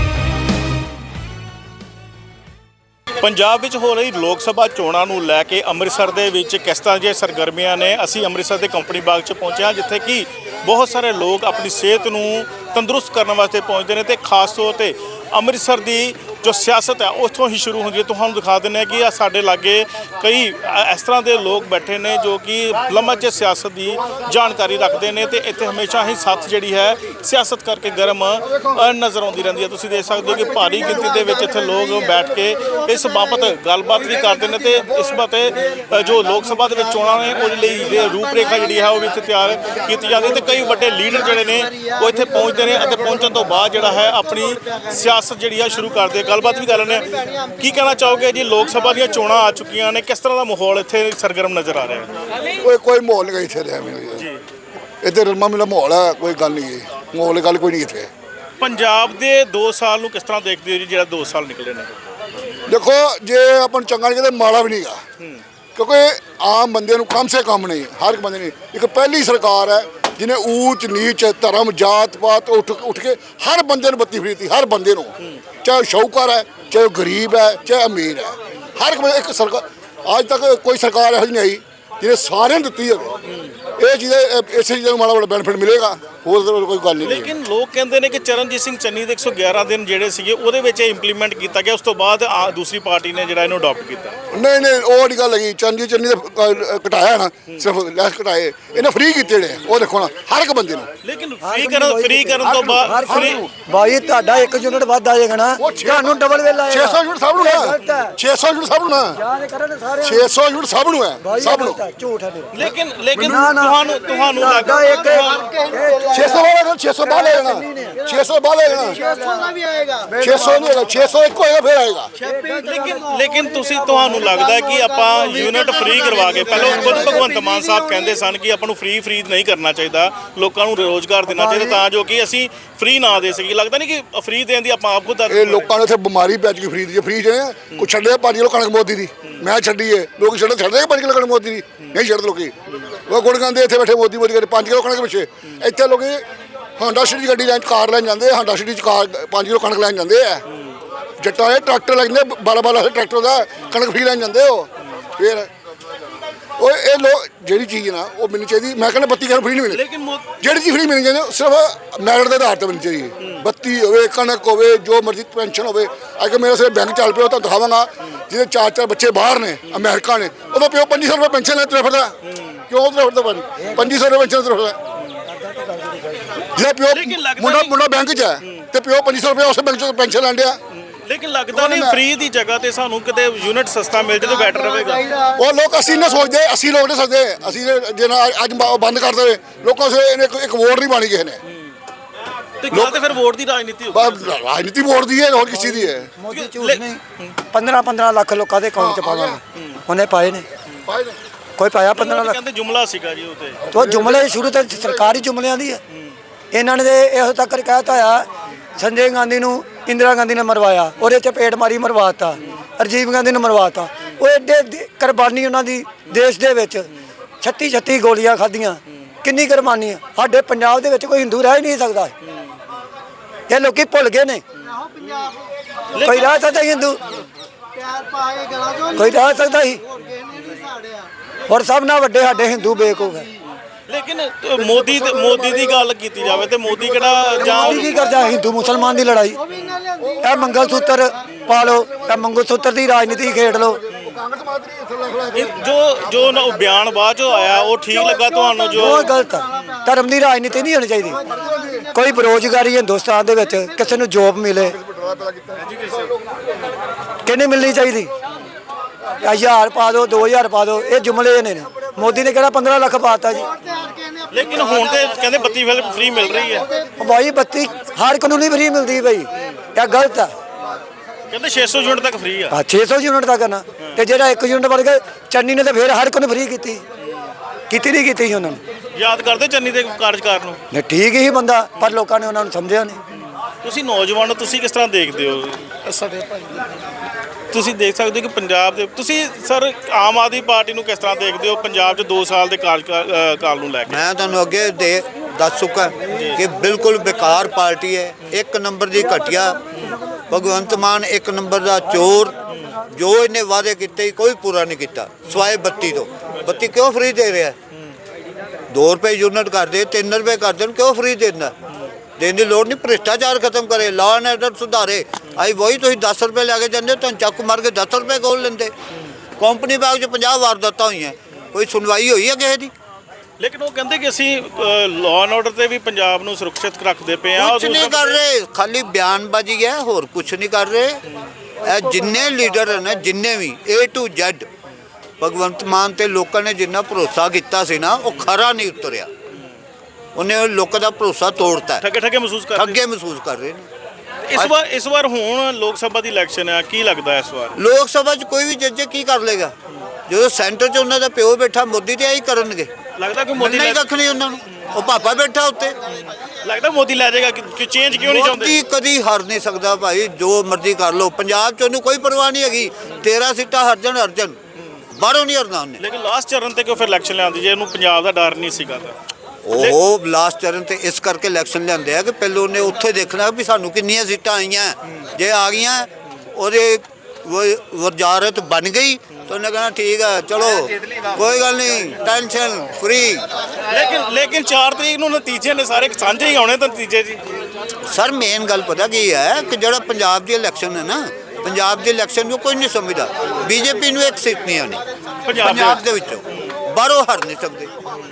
Speaker 3: ਪੰਜਾਬ ਵਿੱਚ ਹੋ ਰਹੀ ਲੋਕ ਸਭਾ ਚੋਣਾਂ ਨੂੰ ਲੈ ਕੇ ਅੰਮ੍ਰਿਤਸਰ ਦੇ ਵਿੱਚ ਕਿਸ ਤਰ੍ਹਾਂ ਦੀਆਂ ਸਰਗਰਮੀਆਂ ਨੇ। ਅਸੀਂ ਅੰਮ੍ਰਿਤਸਰ ਦੇ ਕੰਪਨੀ ਬਾਗ 'ਚ ਪਹੁੰਚੇ ਹਾਂ ਜਿੱਥੇ ਕਿ ਬਹੁਤ ਸਾਰੇ ਲੋਕ ਆਪਣੀ ਸਿਹਤ ਨੂੰ ਤੰਦਰੁਸਤ ਕਰਨ ਵਾਸਤੇ ਪਹੁੰਚਦੇ ਨੇ ਤੇ ਖਾਸ ਤੌਰ ਤੇ ਅੰਮ੍ਰਿਤਸਰ ਦੀ ਜੋ ਸਿਆਸਤ ਹੈ ਉੱਥੋਂ ਹੀ ਸ਼ੁਰੂ ਹੁੰਦੀ ਹੈ। ਤੁਹਾਨੂੰ ਦਿਖਾ ਦਿੰਦੇ ਹਾਂ ਕਿ ਆ ਸਾਡੇ ਲਾਗੇ ਕਈ ਇਸ ਤਰ੍ਹਾਂ ਦੇ ਲੋਕ ਬੈਠੇ ਨੇ ਜੋ ਕਿ ਲੰਮਾ ਚਿਰ ਸਿਆਸਤ ਦੀ ਜਾਣਕਾਰੀ ਰੱਖਦੇ ਨੇ ਤੇ ਇੱਥੇ ਹਮੇਸ਼ਾ ਹੀ ਸੱਥ ਜਿਹੜੀ ਹੈ ਸਿਆਸਤ ਕਰਕੇ ਗਰਮ ਨਜ਼ਰ ਆਉਂਦੀ ਰਹਿੰਦੀ ਹੈ। ਤੁਸੀਂ ਦੇਖ ਸਕਦੇ ਹੋ ਕਿ ਭਾਰੀ ਗਿਣਤੀ ਦੇ ਵਿੱਚ ਇੱਥੇ ਲੋਕ ਬੈਠ ਕੇ ਇਸ ਬਾਬਤ ਗੱਲਬਾਤ ਵੀ ਕਰਦੇ ਨੇ ਤੇ ਇਸ ਬਾਬਤ ਜੋ ਲੋਕ ਸਭਾ ਦੇ ਵਿੱਚ ਚੋਣਾਂ ਨੇ ਉਹਦੇ ਲਈ ਰੂਪ ਰੇਖਾ ਜਿਹੜੀ ਹੈ ਉਹ ਵੀ ਇੱਥੇ ਤਿਆਰ ਕੀਤੀ ਜਾਂਦੀ ਹੈ ਤੇ ਕਈ ਵੱਡੇ ਲੀਡਰ ਜਿਹੜੇ ਨੇ ਉਹ ਇੱਥੇ ਪਹੁੰਚਦੇ ਨੇ ਅਤੇ ਪਹੁੰਚਣ ਤੋਂ ਬਾਅਦ ਜਿਹੜਾ ਹੈ ਆਪਣੀ ਸਿਆਸਤ ਜਿਹੜੀ ਹੈ ਸ਼ੁਰੂ ਕਰਦੇ। ਗੱਲਬਾਤ ਵੀ ਕਰ ਲੈਂਦੇ ਹਾਂ। ਕੀ ਕਹਿਣਾ ਚਾਹੋਗੇ ਜੀ? ਲੋਕ ਸਭਾ ਦੀਆਂ ਚੋਣਾਂ ਆ ਚੁੱਕੀਆਂ ਨੇ ਕਿਸ ਤਰ੍ਹਾਂ ਦਾ ਮਾਹੌਲ ਇੱਥੇ ਸਰਗਰਮ ਨਜ਼ਰ ਆ ਰਿਹਾ ਹੈ?
Speaker 2: ਕੋਈ ਕੋਈ ਮਾਹੌਲ ਨਹੀਂ ਇੱਥੇ ਰਿਹਾ ਮੈਨੂੰ ਜੀ ਇੱਥੇ ਰਲਮਾ ਮਿਲਾ ਮਾਹੌਲ ਹੈ ਕੋਈ ਗੱਲ ਨਹੀਂ ਹੈ ਮਾਹੌਲ ਗੱਲ ਕੋਈ ਨਹੀਂ ਇੱਥੇ।
Speaker 3: ਪੰਜਾਬ ਦੇ ਦੋ ਸਾਲ ਨੂੰ ਕਿਸ ਤਰ੍ਹਾਂ ਦੇਖਦੇ ਹੋ ਜੀ ਜਿਹੜਾ ਦੋ ਸਾਲ ਨਿਕਲੇ ਨੇ?
Speaker 2: ਦੇਖੋ ਜੇ ਆਪਾਂ ਨੂੰ ਚੰਗਾ ਨਹੀਂ ਕਹਿੰਦੇ ਮਾੜਾ ਵੀ ਨਹੀਂਗਾ ਕਿਉਂਕਿ ਆਮ ਬੰਦੇ ਨੂੰ ਕਮ ਸੇ ਕਮ ਨਹੀਂ ਹਰ ਇੱਕ ਬੰਦੇ ਨੇ ਇੱਕ ਪਹਿਲੀ ਸਰਕਾਰ ਹੈ ਜਿਹਨੇ ਊਚ ਨੀਚ ਧਰਮ ਜਾਤ ਪਾਤ ਉੱਠ ਉੱਠ ਕੇ ਹਰ ਬੰਦੇ ਨੂੰ ਬੱਤੀ ਫਰੀ ਦਿੱਤੀ ਹਰ ਬੰਦੇ ਨੂੰ ਚਾਹੇ ਸ਼ੌਕਰ ਹੈ ਚਾਹੇ ਗਰੀਬ ਹੈ ਚਾਹੇ ਅਮੀਰ ਹੈ ਹਰ ਇੱਕ ਇੱਕ ਸਰਕਾਰ ਅੱਜ ਤੱਕ ਕੋਈ ਸਰਕਾਰ ਇਹੋ ਜਿਹੀ ਨਹੀਂ ਆਈ ਜਿਹਨੇ ਸਾਰਿਆਂ ਨੂੰ ਦਿੱਤੀ ਹੋਵੇ। ਇਹ ਚੀਜ਼ ਇਸੇ ਚੀਜ਼ ਨੂੰ ਮਾੜਾ ਮਾੜਾ ਬੈਨੀਫਿਟ ਮਿਲੇਗਾ ਹੋਰ ਕੋਈ ਗੱਲ ਨਹੀਂ।
Speaker 3: ਲੇਕਿਨ ਲੋਕ ਕਹਿੰਦੇ ਨੇ ਕਿ ਚਰਨਜੀਤ ਸਿੰਘ ਚੰਨੀ ਦੇ ਇੱਕ ਸੌ ਗਿਆਰਾਂ ਦਿਨ ਜਿਹੜੇ ਸੀਗੇ ਉਹਦੇ ਵਿੱਚ ਇਹ ਇੰਪਲੀਮੈਂਟ ਕੀਤਾ ਗਿਆ ਉਸ ਤੋਂ ਬਾਅਦ ਦੂਸਰੀ ਪਾਰਟੀ ਨੇ ਜਿਹੜਾ ਇਹਨੂੰ ਅਡਾਪਟ ਕੀਤਾ।
Speaker 2: ਨਹੀਂ ਨਹੀਂ ਉਹ ਨਹੀਂ ਗੱਲ ਹੈਗੀ ਚਰਨਜੀਤ ਚੰਨੀ ਦੇ ਘਟਾਇਆ ਨਾ ਸਿਰਫ ਲੈਸ ਘਟਾਏ ਇਹਨੇ ਫ੍ਰੀ ਕੀਤੇ ਨੇ ਉਹ ਦੇਖੋ ਨਾ ਹਰ ਇੱਕ ਬੰਦੇ ਨੂੰ।
Speaker 3: ਲੇਕਿਨ ਫ੍ਰੀ ਕਰਨ ਫ੍ਰੀ ਕਰਨ ਤੋਂ ਬਾਅਦ ਫ੍ਰੀ
Speaker 4: ਭਾਈ ਤੁਹਾਡਾ ਇੱਕ ਯੂਨਿਟ ਵੱਧ ਆ ਜਾਏਗਾ ਨਾ ਤੁਹਾਨੂੰ ਡਬਲ ਬਿੱਲ ਆਏਗਾ।
Speaker 2: ਛੇ ਸੌ ਯੂਨਿਟ ਸਭ ਨੂੰ ਹੈ ਛੇ ਸੌ ਯੂਨਿਟ ਸਭ ਨੂੰ ਹੈ
Speaker 4: ਯਾਦ ਕਰੇ ਤੇ ਸਾਰੇ
Speaker 2: ਛੇ ਸੌ ਯੂਨਿਟ ਸਭ ਨੂੰ ਹੈ ਸਭ ਨੂੰ
Speaker 4: ਝੂਠ ਹੈ।
Speaker 3: ਲੇਕਿਨ ਲੇਕਿਨ ਤੁਹਾਨੂੰ ਤੁਹਾਨੂੰ ਲੱਗਦਾ
Speaker 4: ਇੱਕ
Speaker 2: ਛੇ ਸੌ ਵਾਲਾ ਛੇ ਸੌ ਬਾਹਰ ਲੈ ਜਾਣਾ ਛੇ ਸੌ ਬਾਹਰ ਲੈ ਜਾਣਾ
Speaker 5: ਛੇ ਸੌ ਦਾ ਵੀ ਆਏਗਾ
Speaker 2: ਛੇ ਸੌ ਨਹੀਂ ਹੈਗਾ ਛੇ ਸੌ ਇੱਕ ਹੋਏਗਾ ਫਿਰ ਆਏਗਾ।
Speaker 3: ਲੇਕਿਨ ਲੇਕਿਨ ਤੁਸੀਂ ਤੁਹਾਨੂੰ ਲੱਗਦਾ ਕਿ ਆਪਾਂ ਯੂਨਿਟ ਫ੍ਰੀ ਕਰਵਾ ਕੇ ਪਹਿਲਾਂ ਖੁਦ ਭਗਵੰਤ ਮਾਨ ਸਾਹਿਬ ਕਹਿੰਦੇ ਸਨ ਕਿ ਆਪਾਂ ਨੂੰ ਫ੍ਰੀ ਫ੍ਰੀ ਨਹੀਂ ਕਰਨਾ ਚਾਹੀਦਾ ਲੋਕਾਂ ਨੂੰ ਰੋਜ਼ਗਾਰ ਦੇਣਾ ਚਾਹੀਦਾ ਤਾਂ ਜੋ ਕਿ ਅਸੀਂ ਫ੍ਰੀ ਨਾ ਦੇ ਸਕੀਏ। ਲੱਗਦਾ ਨਹੀਂ ਕਿ ਫ੍ਰੀ ਦੇਣ ਦੀ ਆਪਾਂ ਆਪ ਖੁਦ
Speaker 2: ਇਹ ਲੋਕਾਂ ਨੂੰ ਇੱਥੇ ਬਿਮਾਰੀ ਪੈ ਚੁੱਕੀ ਫ੍ਰੀ ਦੀ ਫ੍ਰੀ ਜਿਹੜੇ ਕੋਈ ਛੱਡੇ ਪੰਜ ਕਿਲੋ ਕਣਕ ਮੋਦੀ ਦੀ ਮੈਂ ਛੱਡੀਏ ਲੋਕ ਛੱਡੇ ਛੱਡਦੇ ਪੰਜ ਕਿਲੋ ਕਣਕ ਮੋਦੀ ਦੀ ਨਹੀਂ ਛੱਡਦੇ ਲੋਕੀ ਉਹ ਗੁੜ ਗਾਉਂਦੇ ਇੱਥੇ ਬੈਠੇ ਮੋਦੀ ਮੋਦੀ ਕਰਦੇ ਪੰਜ ਕਿਲੋ ਕਣਕ ਪਿੱਛੇ ਇੱਥੇ ਲੋਕੀ ਹਾਂਡਾ ਸਿਟੀ ਗੱਡੀ ਲੈਣ ਕਾਰ ਲੈਣ ਜਾਂਦੇ ਹਾਂਡਾ ਸਿਟੀ ਚ ਕਾਰ ਪੰਜ ਕਿਲੋ ਕਣਕ ਲੈਣ ਜਾਂਦੇ ਆ ਜੱਟਾਂ ਦੇ ਟਰੈਕਟਰ ਲੱਗਦੇ ਬਾਰਾਂ ਬਾਰਾਂ ਟਰੈਕਟਰ ਦਾ ਕਣਕ ਫਰੀ ਲੈਣ ਜਾਂਦੇ ਹੋ ਫਿਰ ਉਹ ਇਹ ਲੋਕ ਜਿਹੜੀ ਚੀਜ਼ ਨਾ ਉਹ ਮੈਨੂੰ ਚਾਹੀਦੀ ਮੈਂ ਕਹਿੰਦਾ ਬੱਤੀ ਕਰ ਫਰੀ ਨਹੀਂ ਮਿਲਣੀ
Speaker 3: ਲੇਕਿਨ ਮੋ-
Speaker 2: ਜਿਹੜੀ ਚੀਜ਼ ਫਰੀ ਮਿਲਣੀ ਚਾਹੀਦੀ ਸਿਰਫ ਮੈਰਿਟ ਦੇ ਆਧਾਰ ਤੇ ਮਿਲਣੀ ਚਾਹੀਦੀ ਬੱਤੀ ਹੋਵੇ ਕਣਕ ਹੋਵੇ ਜੋ ਮਰਜ਼ੀ ਪੈਨਸ਼ਨ ਹੋਵੇ ਅੱਜ ਮੇਰੇ ਸਿਰ ਬੈਂਕ ਚੱਲ ਪਿਆ ਉਹ ਤੁਹਾਨੂੰ ਦਿਖਾਵਾਂਗਾ ਜਿਹਦੇ ਚਾਰ ਚਾਰ ਬੱਚੇ ਬਾਹਰ ਨੇ ਅਮਰੀਕਾ ਨੇ ਉਹਦਾ ਪਿਓ ਪੰਜੀ ਸੌ ਰੁਪਏ ਪੈਨਸ਼ਨ ਲੈ ਤੁਰਿਆ ਫਿਰਦਾ ਕਿਉਂ ਤੁਰਿਆ ਫਿਰਦਾ ਭਾਜੀ ਪੰਜੀ ਸੌ ਰੁਪਏ ਪੈਨਸ਼ਨ ਤੁਰਿਆ ਫਿਰਦਾ ਜਿਹਦਾ ਪਿਓ
Speaker 3: ਲੇਕਿਨ ਲੱਗਦਾ
Speaker 2: ਮੁੰਡਾ
Speaker 3: ਨਹੀਂ-
Speaker 2: ਮੁੰਡਾ ਬੈਂਕ 'ਚ ਹੈ ਤੇ ਪਿਓ ਪੰਜੀ ਸੌ ਰੁਪਏ ਉਸੇ ਬੈਂਕ 'ਚੋਂ ਪੈਨਸ਼ਨ ਲੈਣ ਡਿਆ
Speaker 3: ਲੇਕਿਨ ਲੱਗਦਾ ਨਹੀਂ ਫ੍ਰੀ ਦੀ ਜਗ੍ਹਾ ਤੇ ਸਾਨੂੰ ਕਿਤੇ ਯੂਨਿਟ ਸਸਤਾ ਮਿਲ ਜੇ ਤਾਂ ਬੈਟਰ ਰਹੇਗਾ।
Speaker 2: ਉਹ ਲੋਕ ਅਸੀਂ ਨਾ ਸੋਚਦੇ ਅਸੀਂ ਲੋਕ ਨਹੀਂ ਸੋਚਦੇ ਅਸੀਂ ਜੇ ਨਾ ਅੱਜ ਬ- ਬੰਦ ਕਰ ਦੇਵੇ ਲੋਕਾਂ ਸੇ ਇਹਨੇ ਇੱਕ- ਇੱਕ ਵੋਟ ਨਹੀਂ ਪਾਣੀ ਕਿਸੇ ਨੇ
Speaker 3: ਤੇ ਗੱਲ ਤੇ ਫਿਰ ਵੋਟ ਦੀ ਰਾਜਨੀਤੀ ਹੋ
Speaker 2: ਬਸ ਰਾਜਨੀਤੀ ਵੋਟ ਦੀ ਹੈ ਹੋਰ ਕਿਸੇ ਦੀ ਹੈ
Speaker 4: ਮੋਦੀ ਝੂਠ ਨਹੀਂ ਪੰਦਰਾਂ ਪੰਦਰਾਂ ਲੱਖ ਲੋਕਾਂ ਦੇ ਅਕਾਊਂਟ 'ਚ ਪਾਵਾਂਗੇ ਉਹਨੇ ਪਾਏ ਨੇ ਕੋਈ ਪਾਇਆ ਪੰਦਰਾਂ ਲੱਖ
Speaker 3: ਕਹਿੰਦੇ ਜੁਮਲਾ ਸੀਗਾ ਜੀ ਉਹ ਤੇ
Speaker 4: ਤੋ ਜੁਮਲੇ ਸ਼ੁਰੂ ਤੋਂ ਸਰਕਾਰੀ ਜੁਮਲਿਆਂ ਦੀ ਹੈ ਇਹਨਾਂ ਨੇ ਤੇ ਇਹੋ ਤੱਕ ਕਹਿਤਾ ਆ ਸੰਜੇ ਗਾਂਧੀ ਨੂੰ ਇੰਦਰਾ ਗਾਂਧੀ ਨੇ ਮਰਵਾਇਆ ਉਹਦੇ ਚ ਪੇਟ ਮਾਰੀ ਮਰਵਾਤਾ ਰਾਜੀਵ ਗਾਂਧੀ ਨੂੰ ਮਰਵਾਤਾ ਉਹ ਐਡੇ ਦੇ- ਕੁਰਬਾਨੀ ਉਹਨਾਂ ਦੀ ਦੇਸ਼ ਦੇ ਵਿੱਚ ਛੱਤੀ ਛੱਤੀ ਗੋਲੀਆਂ ਖਾਧੀਆਂ ਕਿੰਨੀ ਕੁਰਬਾਨੀ ਆ ਸਾਡੇ ਪੰਜਾਬ ਦੇ ਵਿੱਚ ਕੋਈ ਹਿੰਦੂ ਰਹਿ ਹੀ ਨਹੀਂ ਸਕਦਾ ਇਹ ਲੋਕੀ ਭੁੱਲ ਗਏ ਨੇ ਕੋਈ ਰਹਿ ਸਕਦਾ ਸੀ ਹਿੰਦੂ ਕੋਈ ਰਹਿ ਸਕਦਾ ਸੀ ਔਰ ਸਭ ਨਾਲ ਵੱਡੇ ਸਾਡੇ ਹਿੰਦੂ ਬੇਵਕੂਫ ਹੈ
Speaker 3: ਲੇਕਿਨ ਅ, ਮੋਦੀ ਤੇ ਮੋਦੀ ਦੀ ਗੱਲ ਕੀਤੀ ਜਾਵੇ ਤੇ ਮੋਦੀ ਕਿਹੜਾ ਜਾਂ
Speaker 4: ਮੋਦੀ ਕੀ ਕਰਦਾ ਹਿੰਦੂ ਮੁਸਲਮਾਨ ਦੀ ਲੜਾਈ ਇਹ ਮੰਗਲ ਸੂਤਰ ਪਾ ਲਓ ਇਹ ਮੰਗਲ ਸੂਤਰ ਦੀ ਰਾਜਨੀਤੀ ਖੇਡ ਲਓ
Speaker 3: ਇਹ ਜੋ ਜੋ ਨਾ ਉਹ ਬਿਆਨ ਬਾਅਦ ਚੋਂ ਆਇਆ ਉਹ ਠੀਕ ਲੱਗਾ ਤੁਹਾਨੂੰ ਜੋ
Speaker 4: ਉਹ ਗਲਤ ਆ ਧਰਮ ਦੀ ਰਾਜਨੀਤੀ ਨਹੀਂ ਹੋਣੀ ਚਾਹੀਦੀ ਕੋਈ ਬੇਰੁਜ਼ਗਾਰੀ ਹਿੰਦੁਸਤਾਨ ਦੇ ਵਿੱਚ ਕਿਸੇ ਨੂੰ ਜੋਬ ਮਿਲੇ ਕਿਹਨੇ ਮਿਲਣੀ ਚਾਹੀਦੀ ਹਜ਼ਾਰ ਪਾ ਦਿਓ ਦੋ ਹਜ਼ਾਰ ਪਾ ਦਿਓ ਇਹ ਜੁਮਲੇ ਨੇ ਮੋਦੀ ਨੇ ਕਿਹੜਾ ਪੰਦਰਾਂ ਲੱਖ ਪਾਤਾ ਜੀ
Speaker 3: ਲੇਕਿਨ ਹੁਣ ਤੇ ਕਹਿੰਦੇ ਬੱਤੀ ਫਿਲਮ ਫ੍ਰੀ ਮਿਲ ਰਹੀ ਹੈ
Speaker 4: ਉਹ ਬਾਈ ਬੱਤੀ ਹਰ ਇੱਕ ਨੂੰ ਨਹੀਂ ਫਰੀ ਮਿਲਦੀ ਬਈ ਇਹ ਗਲਤ ਆ
Speaker 3: ਕਹਿੰਦੇ ਛੇ ਸੌ ਯੂਨਿਟ ਤੱਕ ਫ੍ਰੀ ਆ
Speaker 4: ਆ ਛੇ ਸੌ ਯੂਨਿਟ ਦਾ ਕਰਨਾ ਤੇ ਜਿਹੜਾ ਇੱਕ ਯੂਨਿਟ ਵੜ ਗਿਆ ਚੰਨੀ ਨੇ ਤੇ ਫਿਰ ਹਰ ਇੱਕ ਨੂੰ ਫਰੀ ਕੀਤੀ ਕੀਤੀ ਨਹੀਂ ਕੀਤੀ ਸੀ ਉਹਨਾਂ ਨੇ
Speaker 3: ਯਾਦ ਕਰਦੇ ਚੰਨੀ ਦੇ ਕਾਰਜਕਾਰ ਨੂੰ
Speaker 4: ਨਹੀਂ ਠੀਕ ਹੀ ਬੰਦਾ ਪਰ ਲੋਕਾਂ ਨੇ ਉਹਨਾਂ ਨੂੰ ਸਮਝਿਆ ਨਹੀਂ
Speaker 3: ਤੁਸੀਂ ਨੌਜਵਾਨ ਹੋ, ਤੁਸੀਂ ਕਿਸ ਤਰ੍ਹਾਂ ਦੇਖਦੇ ਹੋ
Speaker 4: ਸਾਡੇ ਭਾਈ
Speaker 3: ਤੁਸੀਂ ਦੇਖ ਸਕਦੇ ਹੋ ਕਿ ਪੰਜਾਬ ਦੇ ਤੁਸੀਂ ਸਰ ਆਮ ਆਦਮੀ ਪਾਰਟੀ ਨੂੰ ਕਿਸ ਤਰ੍ਹਾਂ ਦੇਖਦੇ ਹੋ ਪੰਜਾਬ 'ਚ ਦੋ ਸਾਲ ਦੇ ਕਾਰਜਕਾਲ ਅ, ਕਾਲ ਨੂੰ ਲੈ ਕੇ
Speaker 1: ਮੈਂ ਤੁਹਾਨੂੰ ਅੱਗੇ ਦੇ ਦੱਸ ਚੁੱਕਾ ਕਿ ਬਿਲਕੁਲ ਬੇਕਾਰ ਪਾਰਟੀ ਹੈ ਇੱਕ ਨੰਬਰ ਦੀ ਘਟੀਆ ਭਗਵੰਤ ਮਾਨ ਇੱਕ ਨੰਬਰ ਦਾ ਚੋਰ ਜੋ ਇਹਨੇ ਵਾਅਦੇ ਕੀਤੇ ਸੀ, ਕੋਈ ਪੂਰਾ ਨਹੀਂ ਕੀਤਾ ਸਵਾਏ ਬੱਤੀ ਤੋਂ ਬੱਤੀ ਕਿਉਂ ਫ੍ਰੀ ਦੇ ਰਿਹਾ ਦੋ ਰੁਪਏ ਯੂਨਿਟ ਕਰ ਦੇ ਤਿੰਨ ਰੁਪਏ ਕਰ ਦੇਣ ਕਿਉਂ ਫ੍ਰੀ ਦਿੰਦਾ ਦੇਣ ਦੀ ਲੋੜ ਨਹੀਂ ਭ੍ਰਿਸ਼ਟਾਚਾਰ ਖਤਮ ਕਰੇ ਲਾਅ ਐਂਡ ਆਰਡਰ ਸੁਧਾਰੇ ਆਈ ਵਹੀ ਤੁਸੀਂ ਦਸ ਰੁਪਏ ਲੈ ਕੇ ਜਾਂਦੇ ਤੁਹਾਨੂੰ ਚੱਕ ਮਾਰ ਕੇ ਦਸ ਰੁਪਏ ਕੋਲ ਲੈਂਦੇ ਕੰਪਨੀ ਬਾਗ 'ਚ ਪੰਜਾਹ ਵਾਰਦਾਤਾਂ ਹੋਈਆਂ ਕੋਈ ਸੁਣਵਾਈ ਹੋਈ ਹੈ ਕਿਸੇ ਦੀ
Speaker 3: ਲੇਕਿਨ ਉਹ ਕਹਿੰਦੇ ਕਿ ਅਸੀਂ ਲਾਅ ਐਂਡ ਆਰਡਰ ਤੇ ਵੀ ਪੰਜਾਬ ਨੂੰ ਸੁਰੱਖਿਅਤ ਰੱਖਦੇ ਪਏ ਆ
Speaker 1: ਕੁਛ ਨਹੀਂ ਕਰ ਰਹੇ ਖਾਲੀ ਬਿਆਨਬਾਜ਼ੀ ਹੈ ਹੋਰ ਕੁਛ ਨਹੀਂ ਕਰ ਰਹੇ ਇਹ ਜਿੰਨੇ ਲੀਡਰ ਨੇ ਜਿੰਨੇ ਵੀ A to Z Bhagwant Mann ਤੇ ਲੋਕਾਂ ਨੇ ਜਿੰਨਾ ਭਰੋਸਾ ਕੀਤਾ ਸੀ ਨਾ ਉਹ ਖਰਾ ਨਹੀਂ ਉਤਰਿਆ ਉਹਨੇ ਲੋਕਾਂ ਦਾ ਭਰੋਸਾ ਤੋੜਤਾ
Speaker 3: ਠੱਗੇ ਠੱਗੇ ਮਹਿਸੂਸ ਕਰਦੇ
Speaker 1: ਅੱਗੇ ਮਹਿਸੂਸ ਕਰ ਰਹੇ ਨੇ
Speaker 3: ਇਸ ਵਾਰ ਇਸ ਵਾਰ ਹੁਣ ਲੋਕ ਸਭਾ ਦੀ ਇਲੈਕਸ਼ਨ ਆ ਕੀ ਲੱਗਦਾ ਇਸ ਵਾਰ
Speaker 1: ਲੋਕ ਸਭਾ 'ਚ ਕੋਈ ਵੀ ਜੱਜ ਕੀ ਕਰ ਲੇਗਾ ਜਦੋਂ ਸੈਂਟਰ 'ਚ ਉਹਨਾਂ ਦਾ ਪਿਓ ਬੈਠਾ ਮੋਦੀ ਤੇ ਆਹੀ ਕਰਨਗੇ
Speaker 3: ਲੱਗਦਾ ਕਿ ਮੋਦੀ
Speaker 1: ਨਹੀਂ
Speaker 3: ਲੈ-
Speaker 1: ਕੱਖ ਨਹੀਂ ਉਹਨਾਂ ਨੂੰ ਉਹ ਪਾਪਾ ਬੈਠਾ ਉੱਤੇ
Speaker 3: ਲੱਗਦਾ ਮੋਦੀ ਲੈ ਜਾਏਗਾ ਕਿ ਚੇਂਜ ਕਿਉਂ ਨਹੀਂ ਚਾਹੁੰਦੇ
Speaker 1: ਮੋਦੀ ਕਦੀ ਹਾਰ ਨਹੀਂ ਸਕਦਾ ਭਾਈ ਜੋ ਮਰਜ਼ੀ ਕਰ ਲਓ ਪੰਜਾਬ 'ਚ ਉਹਨੂੰ ਕੋਈ ਪਰਵਾਹ ਨਹੀਂ ਹੈਗੀ ਤੇਰਾਂ ਸੀਟਾਂ ਹਰਜਨ ਹਰਜਨ ਬਾਹਰੋਂ ਨਹੀਂ ਹਰਨਾ ਉਹਨੇ
Speaker 3: ਲੇਕਿਨ ਲਾਸਟ ਚਰਨ ਤੇ ਕਿਉਂ ਫਿਰ ਇਲੈਕਸ਼ਨ ਲਿਆਂਦੀ ਜੇ ਇਹਨੂੰ ਪੰਜਾਬ ਦਾ ਡਰ ਨਹੀਂ ਸੀਗਾ ਤਾਂ
Speaker 1: ਉਹ ਲਾਸਟ ਚਰਨ ਤੇ ਇਸ ਕਰਕੇ ਇਲੈਕਸ਼ਨ ਲਿਆਂਦੇ ਆ ਕਿ ਪਹਿਲੋਂ ਉਹਨੇ ਉੱਥੇ ਦੇਖਣਾ ਵੀ ਸਾਨੂੰ ਕਿੰਨੀਆਂ ਸੀਟਾਂ ਆਈਆਂ ਜੇ ਆ ਗਈਆਂ ਉਹਦੇ ਵ- ਵਜ਼ਾਰਤ ਬਣ ਗਈ ਤਾਂ ਉਹਨੇ ਕਹਿਣਾ ਠੀਕ ਆ ਚਲੋ ਕੋਈ ਗੱਲ ਨਹੀਂ ਟੈਨਸ਼ਨ ਫ੍ਰੀ
Speaker 3: ਲੇਕਿਨ ਲੇਕਿਨ ਚਾਰ ਤਰੀਕ ਨੂੰ ਨਤੀਜੇ ਨੇ ਸਾਰੇ ਸਾਂਝੇ ਹੀ ਆਉਣੇ ਤਾਂ ਨਤੀਜੇ ਜੀ
Speaker 1: ਸਰ ਮੇਨ ਗੱਲ ਪਤਾ ਕੀ ਹੈ ਕਿ ਜਿਹੜਾ ਪੰਜਾਬ ਦੀ ਇਲੈਕਸ਼ਨ ਹੈ ਨਾ ਪੰਜਾਬ ਦੀ ਇਲੈਕਸ਼ਨ ਨੂੰ ਕੋਈ ਨਹੀਂ ਸਮਝਦਾ ਬੀਜੇਪੀ ਨੂੰ ਇੱਕ ਸੀਟ ਨਹੀਂ ਆਉਣੀ
Speaker 3: ਪੰਜਾਬ ਦੇ
Speaker 1: ਪੰਜਾਬ ਦੇ ਵਿੱਚੋਂ ਬਾਹਰੋਂ ਹਰ ਨਹੀਂ ਸਕਦੇ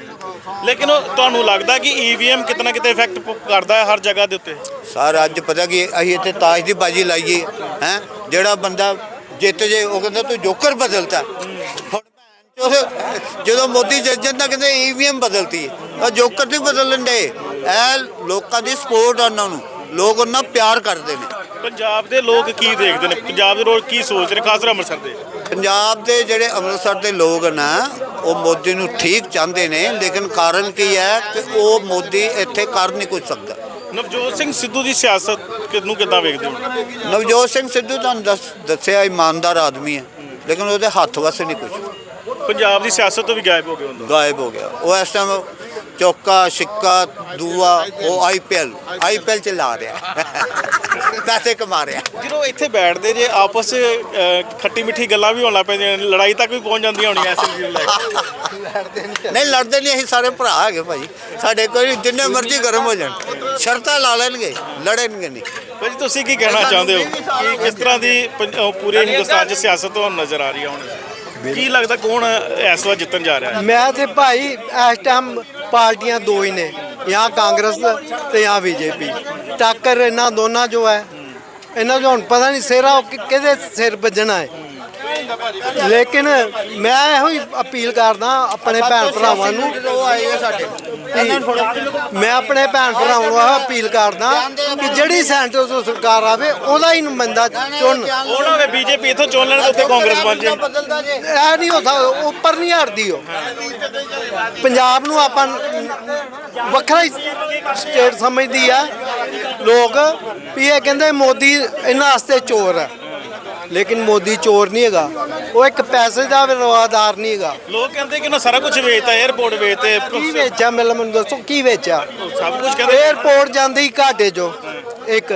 Speaker 3: ਲੇਕਿਨ ਉਹ ਤੁਹਾਨੂੰ ਲੱਗਦਾ ਕਿ ਈਵੀਐਮ ਕਿਤਨਾ ਕਿਤੇ ਇਫੈਕਟ ਕਰਦਾ ਹੈ ਹਰ ਜਗ੍ਹਾ ਦੇ ਉੱਤੇ
Speaker 1: ਸਰ ਅੱਜ ਪਤਾ ਕੀ ਅਸੀਂ ਇੱਥੇ ਤਾਸ਼ ਦੀ ਬਾਜੀ ਲਾਈਏ ਹੈ ਜਿਹੜਾ ਬੰਦਾ ਜਿੱਤ ਜੇ ਉਹ ਕਹਿੰਦਾ ਤੂੰ ਜੋਕਰ ਬਦਲਤਾ ਹੁਣ ਭੈਣ ਚੋਦ ਜਦੋਂ ਮੋਦੀ ਜਿੱਤ ਜਾਂਦਾ ਕਹਿੰਦੇ ਈਵੀਐਮ ਬਦਲਤੀ ਉਹ ਜੋਕਰ ਨਹੀਂ ਬਦਲਣ ਦੇ ਇਹ ਲੋਕਾਂ ਦੀ ਸਪੋਰਟ ਉਹਨਾਂ ਨੂੰ ਲੋਕ ਉਹਨਾਂ ਪਿਆਰ ਕਰਦੇ ਨੇ
Speaker 3: ਪੰਜਾਬ ਦੇ ਲੋਕ ਕੀ ਦੇਖਦੇ ਨੇ ਪੰਜਾਬ ਦੇ ਲੋਕ ਕੀ ਸੋਚਦੇ ਨੇ ਖਾਸ ਕਰ ਅੰਮ੍ਰਿਤਸਰ ਦੇ
Speaker 1: ਪੰਜਾਬ ਦੇ ਜਿਹੜੇ ਅੰਮ੍ਰਿਤਸਰ ਦੇ ਲੋਕ ਨਾ ਉਹ ਮੋਦੀ ਨੂੰ ਠੀਕ ਚਾਹੁੰਦੇ ਨੇ ਲੇਕਿਨ ਕਾਰਨ ਕੀ ਹੈ ਕਿ ਉਹ ਮੋਦੀ ਇੱਥੇ ਕਰ ਨਹੀਂ ਕੁਝ ਸਕਦਾ
Speaker 3: ਨਵਜੋਤ ਸਿੰਘ ਸਿੱਧੂ ਦੀ ਸਿਆਸਤ ਕਿਨੂੰ ਕਿੱਦਾਂ ਵੇਖਦੇ ਹੋ
Speaker 1: ਨਵਜੋਤ ਸਿੰਘ ਸਿੱਧੂ ਤੁਹਾਨੂੰ ਦੱਸ ਦੱਸਿਆ ਇਮਾਨਦਾਰ ਆਦਮੀ ਹੈ ਲੇਕਿਨ ਉਹਦੇ ਹੱਥ ਵਸ ਨਹੀਂ ਕੁਝ
Speaker 3: ਪੰਜਾਬ ਦੀ ਸਿਆਸਤ ਤੋਂ ਵੀ ਗਾਇਬ ਹੋ ਗਏ ਹੁੰਦਾ
Speaker 1: ਗਾਇਬ ਹੋ ਗਿਆ ਉਹ ਇਸ ਟਾਈਮ ਚੌਕਾ ਸਿੱਕਾ ਦੂਆ ਉਹ ਆਈਪੀਐਲ ਆਈਪੀਐਲ ਚ ਲਾ ਰਿਹਾ ਪੈਸੇ ਕਮਾ ਰਿਹਾ।
Speaker 3: ਜਦੋਂ ਇੱਥੇ ਬੈਠਦੇ ਜੇ ਆਪਸ 'ਚ ਅ, ਖੱਟੀ ਮਿੱਠੀ ਗੱਲਾਂ ਵੀ ਹੋਣ ਲੱਗ ਪੈਂਦੀਆਂ ਨੇ, ਲੜਾਈ ਤੱਕ ਵੀ ਪਹੁੰਚ ਜਾਂਦੀਆਂ ਹੋਣੀਆਂ ਇਸ ਚੀਜ਼ ਨੂੰ ਲੈ ਕੇ।
Speaker 1: ਨਹੀਂ ਲੜਦੇ ਨਹੀਂ, ਅਸੀਂ ਸਾਰੇ ਭਰਾ ਹੈਗੇ ਭਾਈ ਸਾਡੇ, ਕੋਈ ਜਿੰਨੇ ਮਰਜ਼ੀ ਗਰਮ ਹੋ ਜਾਣ ਸ਼ਰਤਾਂ ਲਾ ਲੈਣਗੇ, ਲੜਨਗੇ ਨਹੀਂ।
Speaker 3: ਭਾਜੀ ਤੁਸੀਂ ਕੀ ਕਹਿਣਾ ਚਾਹੁੰਦੇ ਹੋ ਕਿ ਕਿਸ ਤਰ੍ਹਾਂ ਦੀ ਪੰਜ- ਅ, ਪੂਰੇ ਹਿੰਦੁਸਤਾਨ 'ਚ ਸਿਆਸਤ ਤੁਹਾਨੂੰ ਨਜ਼ਰ ਆ ਰਹੀ ਹੈ ਹੁਣ? ਕੀ ਲੱਗਦਾ ਕੌਣ ਇਸ ਵਾਰ ਜਿੱਤਣ ਜਾ ਰਿਹਾ ਹੈ?
Speaker 5: ਮੈਂ ਤੇ ਭਾਈ ਇਸ ਟਾਈਮ ਪਾਰਟੀਆਂ ਦੋ ਹੀ ਨੇ, ਜਾਂ ਕਾਂਗਰਸ ਤੇ ਜਾਂ ਬੀਜੇਪੀ। ਟੱਕਰ ਇਹਨਾਂ ਦੋਨਾਂ ਜੋ ਹੈ, ਇਹਨਾਂ ਨੂੰ ਹੁਣ ਪਤਾ ਨਹੀਂ ਸਿਰਾ ਕਿਹਦੇ ਸਿਰ ਵੱਜਣਾ ਹੈ। ਲੇਕਿਨ ਮੈਂ ਇਹੋ ਹੀ ਅਪੀਲ ਕਰਦਾ ਆਪਣੇ ਭੈਣ ਭਰਾਵਾਂ ਨੂੰ, ਮੈਂ ਆਪਣੇ ਭੈਣ ਭਰਾਵਾਂ ਨੂੰ ਇਹ ਅਪੀਲ ਕਰਦਾ ਕਿ ਜਿਹੜੀ ਸੈਂਟਰ ਤੋਂ ਸਰਕਾਰ ਆਵੇ ਉਹਦਾ ਹੀ ਨੁਮਾਇੰਦਾ ਚੁਣ।
Speaker 3: ਉਹ ਨਾ ਹੋਵੇ ਬੀਜੇਪੀ ਇੱਥੋਂ ਚੁਣ ਲੈਣ ਤੇ ਉੱਥੇ ਕਾਂਗਰਸ ਬਣ ਜਾਏ।
Speaker 5: ਇਹ ਨਹੀਂ ਹੋ ਸਕਦਾ, ਉੱਪਰ ਨਹੀਂ ਹਟਦੀ ਉਹ। ਪੰਜਾਬ ਨੂੰ ਆਪਾਂ ਵੱਖਰਾ ਹੀ ਸਟੇਟ ਸਮਝਦੀ ਆ ਲੋਕ, ਵੀ ਇਹ ਕਹਿੰਦੇ ਮੋਦੀ ਇਹਨਾਂ ਵਾਸਤੇ ਚੋਰ ਹੈ, ਲੇਕਿਨ ਮੋਦੀ ਚੋਰ ਨਹੀਂ ਹੈਗਾ, ਉਹ ਇੱਕ ਪੈਸੇ ਦਾ ਰਵਾਦਾਰ ਨਹੀਂ ਹੈਗਾ।
Speaker 3: ਲੋਕ ਕਹਿੰਦੇ ਕਿ ਨਾ ਸਾਰਾ ਕੁਝ ਵੇਚਤਾ, 에어ਪੋਰਟ ਵੇਚਤੇ,
Speaker 5: ਕੀ ਵੇਚਿਆ ਮੈਨੂੰ ਮੈਨੂੰ ਦੱਸੋ ਕੀ ਵੇਚਿਆ?
Speaker 3: ਸਭ ਕੁਝ ਕਹਿੰਦੇ।
Speaker 5: ਏਅਰਪੋਰਟ ਜਾਂਦੀ ਘਾਟੇ ਚੋਂ ਇੱਕ,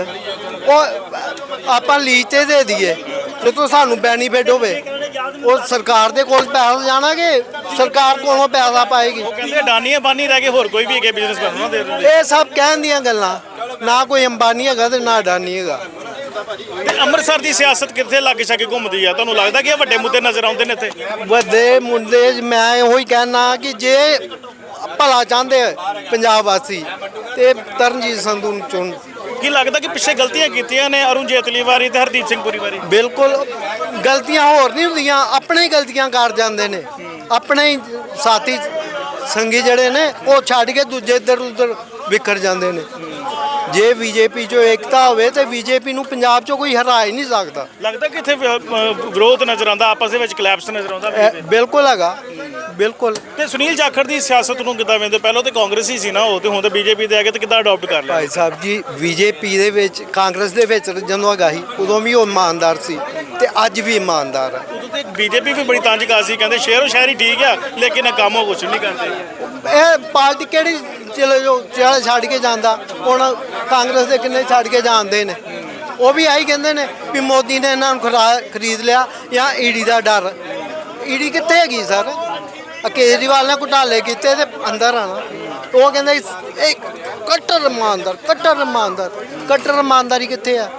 Speaker 5: ਉਹ ਆਪਾਂ ਲੀਜ਼ ਤੇ ਦੇ ਦਈਏ ਜਦੋਂ ਸਾਨੂੰ ਬੈਨੀਫਿਟ ਹੋਵੇ, ਉਹ ਸਰਕਾਰ ਦੇ ਕੋਲ ਪੈਸਾ ਜਾਣਾਗੇ, ਸਰਕਾਰ ਕੋਲੋਂ ਪੈਸਾ ਪਾਏਗੀ।
Speaker 3: ਉਹ ਕਹਿੰਦੇ ਅਡਾਨੀ ਅੰਬਾਨੀ ਰਹਿ ਗਏ, ਹੋਰ ਕੋਈ ਵੀ ਹੈਗੇ ਬਿਜ਼ਨਸ ਕਰਨਾ ਦੇ ਦਿੰਦੇ।
Speaker 5: ਇਹ ਸਭ ਕਹਿਣ ਦੀਆਂ ਗੱਲਾਂ, ਨਾ ਕੋਈ ਅੰਬਾਨੀ ਹੈਗਾ ਤੇ ਨਾ ਅਡਾਨੀ ਹੈਗਾ।
Speaker 3: ਤੇ ਅੰਮ੍ਰਿਤਸਰ ਦੀ ਸਿਆਸਤ ਕਿੱਥੇ ਲਾਗੇ ਛਾਗੇ ਘੁੰਮਦੀ ਆ? ਤੁਹਾਨੂੰ ਲੱਗਦਾ ਕਿ ਇਹ ਵੱਡੇ ਮੁੱਦੇ ਨਜ਼ਰ ਆਉਂਦੇ ਨੇ ਇੱਥੇ?
Speaker 5: ਵੱਡੇ ਮੁੱਦੇ ਮੈਂ ਉਹੀ ਕਹਿਣਾ ਕਿ ਜੇ ਭਲਾ ਚਾਹੁੰਦੇ ਪੰਜਾਬ ਵਾਸੀ ਤੇ ਤਰਨਜੀਤ ਸੰਧੂ ਨੂੰ ਚੁਣ।
Speaker 3: ਕੀ ਲੱਗਦਾ ਕਿ ਪਿੱਛੇ ਗਲਤੀਆਂ ਕੀਤੀਆਂ ਨੇ ਅਰੁਣ ਜੇਤਲੀ ਵਾਰੀ ਤੇ ਹਰਦੀਪ ਸਿੰਘ ਪੁਰੀ ਵਾਰੀ?
Speaker 5: ਬਿਲਕੁਲ ਗਲਤੀਆਂ ਹੋਰ ਨਹੀਂ ਹੁੰਦੀਆਂ, ਆਪਣੇ ਹੀ ਗਲਤੀਆਂ ਕਰ ਜਾਂਦੇ ਨੇ। ਆਪਣੇ ਹੀ ਸਾਥੀ ਸੰਗੀ ਜਿਹੜੇ ਨੇ ਉਹ ਛੱਡ ਕੇ ਦੂਜੇ ਇੱਧਰ ਉੱਧਰ ਵਿਖਰ ਜਾਂਦੇ ਨੇ। ਜੇ ਬੀਜੇਪੀ 'ਚੋਂ ਏਕਤਾ ਹੋਵੇ ਤੇ ਬੀਜੇਪੀ ਨੂੰ ਪੰਜਾਬ 'ਚੋਂ ਕੋਈ ਹਰਾ ਹੀ ਨਹੀਂ ਸਕਦਾ।
Speaker 3: ਲੱਗਦਾ ਕਿ ਇੱਥੇ ਵਿ- ਅ, ਵਿਰੋਧ ਨਜ਼ਰ ਆਉਂਦਾ, ਆਪਸ ਦੇ ਵਿੱਚ ਕਲੈਪਸ ਨਜ਼ਰ ਆਉਂਦਾ।
Speaker 5: ਇਹ ਬਿਲਕੁਲ ਹੈਗਾ, ਬਿਲਕੁਲ।
Speaker 3: ਤੇ ਸੁਨੀਲ ਜਾਖੜ ਦੀ ਸਿਆਸਤ ਨੂੰ ਕਿੱਦਾਂ ਵੇਂਦੇ? ਪਹਿਲਾਂ ਤੇ ਕਾਂਗਰਸ ਹੀ ਸੀ ਨਾ ਉਹ, ਤੇ ਹੁਣ ਤੇ ਬੀਜੇਪੀ ਦੇ ਆ ਗਏ, ਤੇ ਕਿੱਦਾਂ ਅਡਾਪਟ ਕਰ ਲਿਆ?
Speaker 5: ਭਾਈ ਸਾਹਿਬ ਜੀ, ਬੀਜੇਪੀ ਦੇ ਵਿੱਚ ਕਾਂਗਰਸ ਦੇ ਵਿੱਚ ਜਦੋਂ ਹੈਗਾ ਸੀ ਉਦੋਂ ਵੀ ਉਹ ਇਮਾਨਦਾਰ ਸੀ ਤੇ ਅੱਜ ਵੀ ਇਮਾਨਦਾਰ ਹੈ।
Speaker 3: ਉਦੋਂ ਤੇ ਬੀਜੇਪੀ ਵੀ ਬੜੀ ਤੰਜਕਾਸ ਸੀ, ਕਹਿੰਦੇ ਸ਼ਹਿਰੋ ਸ਼ਹਿਰੀ ਠੀਕ ਆ ਲੇਕਿਨ ਕੰਮ ਉਹ ਕੁਛ ਨਹੀਂ ਕਰਦੇ।
Speaker 5: ਇਹ ਪਾਰਟੀ ਕਿਹੜੀ ਚਲੋ ਜੋ ਜਿਹੜਾ ਛੱਡ ਕੇ ਜਾਂਦਾ, ਹੁਣ ਕਾਂਗਰਸ ਦੇ ਕਿੰਨੇ ਛੱਡ ਕੇ ਜਾਂਦੇ ਨੇ, ਉਹ ਵੀ ਆਹੀ ਕਹਿੰਦੇ ਨੇ ਵੀ ਮੋਦੀ ਨੇ ਇਹਨਾਂ ਨੂੰ ਖਰਾ- ਖਰੀਦ ਲਿਆ ਜਾਂ ਈਡੀ ਦਾ ਡਰ। ਈਡੀ ਕਿੱਥੇ ਹੈਗੀ ਸਰ? ਆਹ ਕੇਜਰੀਵਾਲ ਨੇ ਘੁਟਾਲੇ ਕੀਤੇ ਤੇ ਅੰਦਰ ਆਣਾ, ਉਹ ਕਹਿੰਦੇ ਇਹ ਕੱਟਰ ਇਮਾਨਦਾਰ, ਕੱਟਰ ਇਮਾਨਦਾਰ, ਕੱਟਰ ਇਮਾਨਦਾਰੀ ਕਿੱਥੇ ਆ?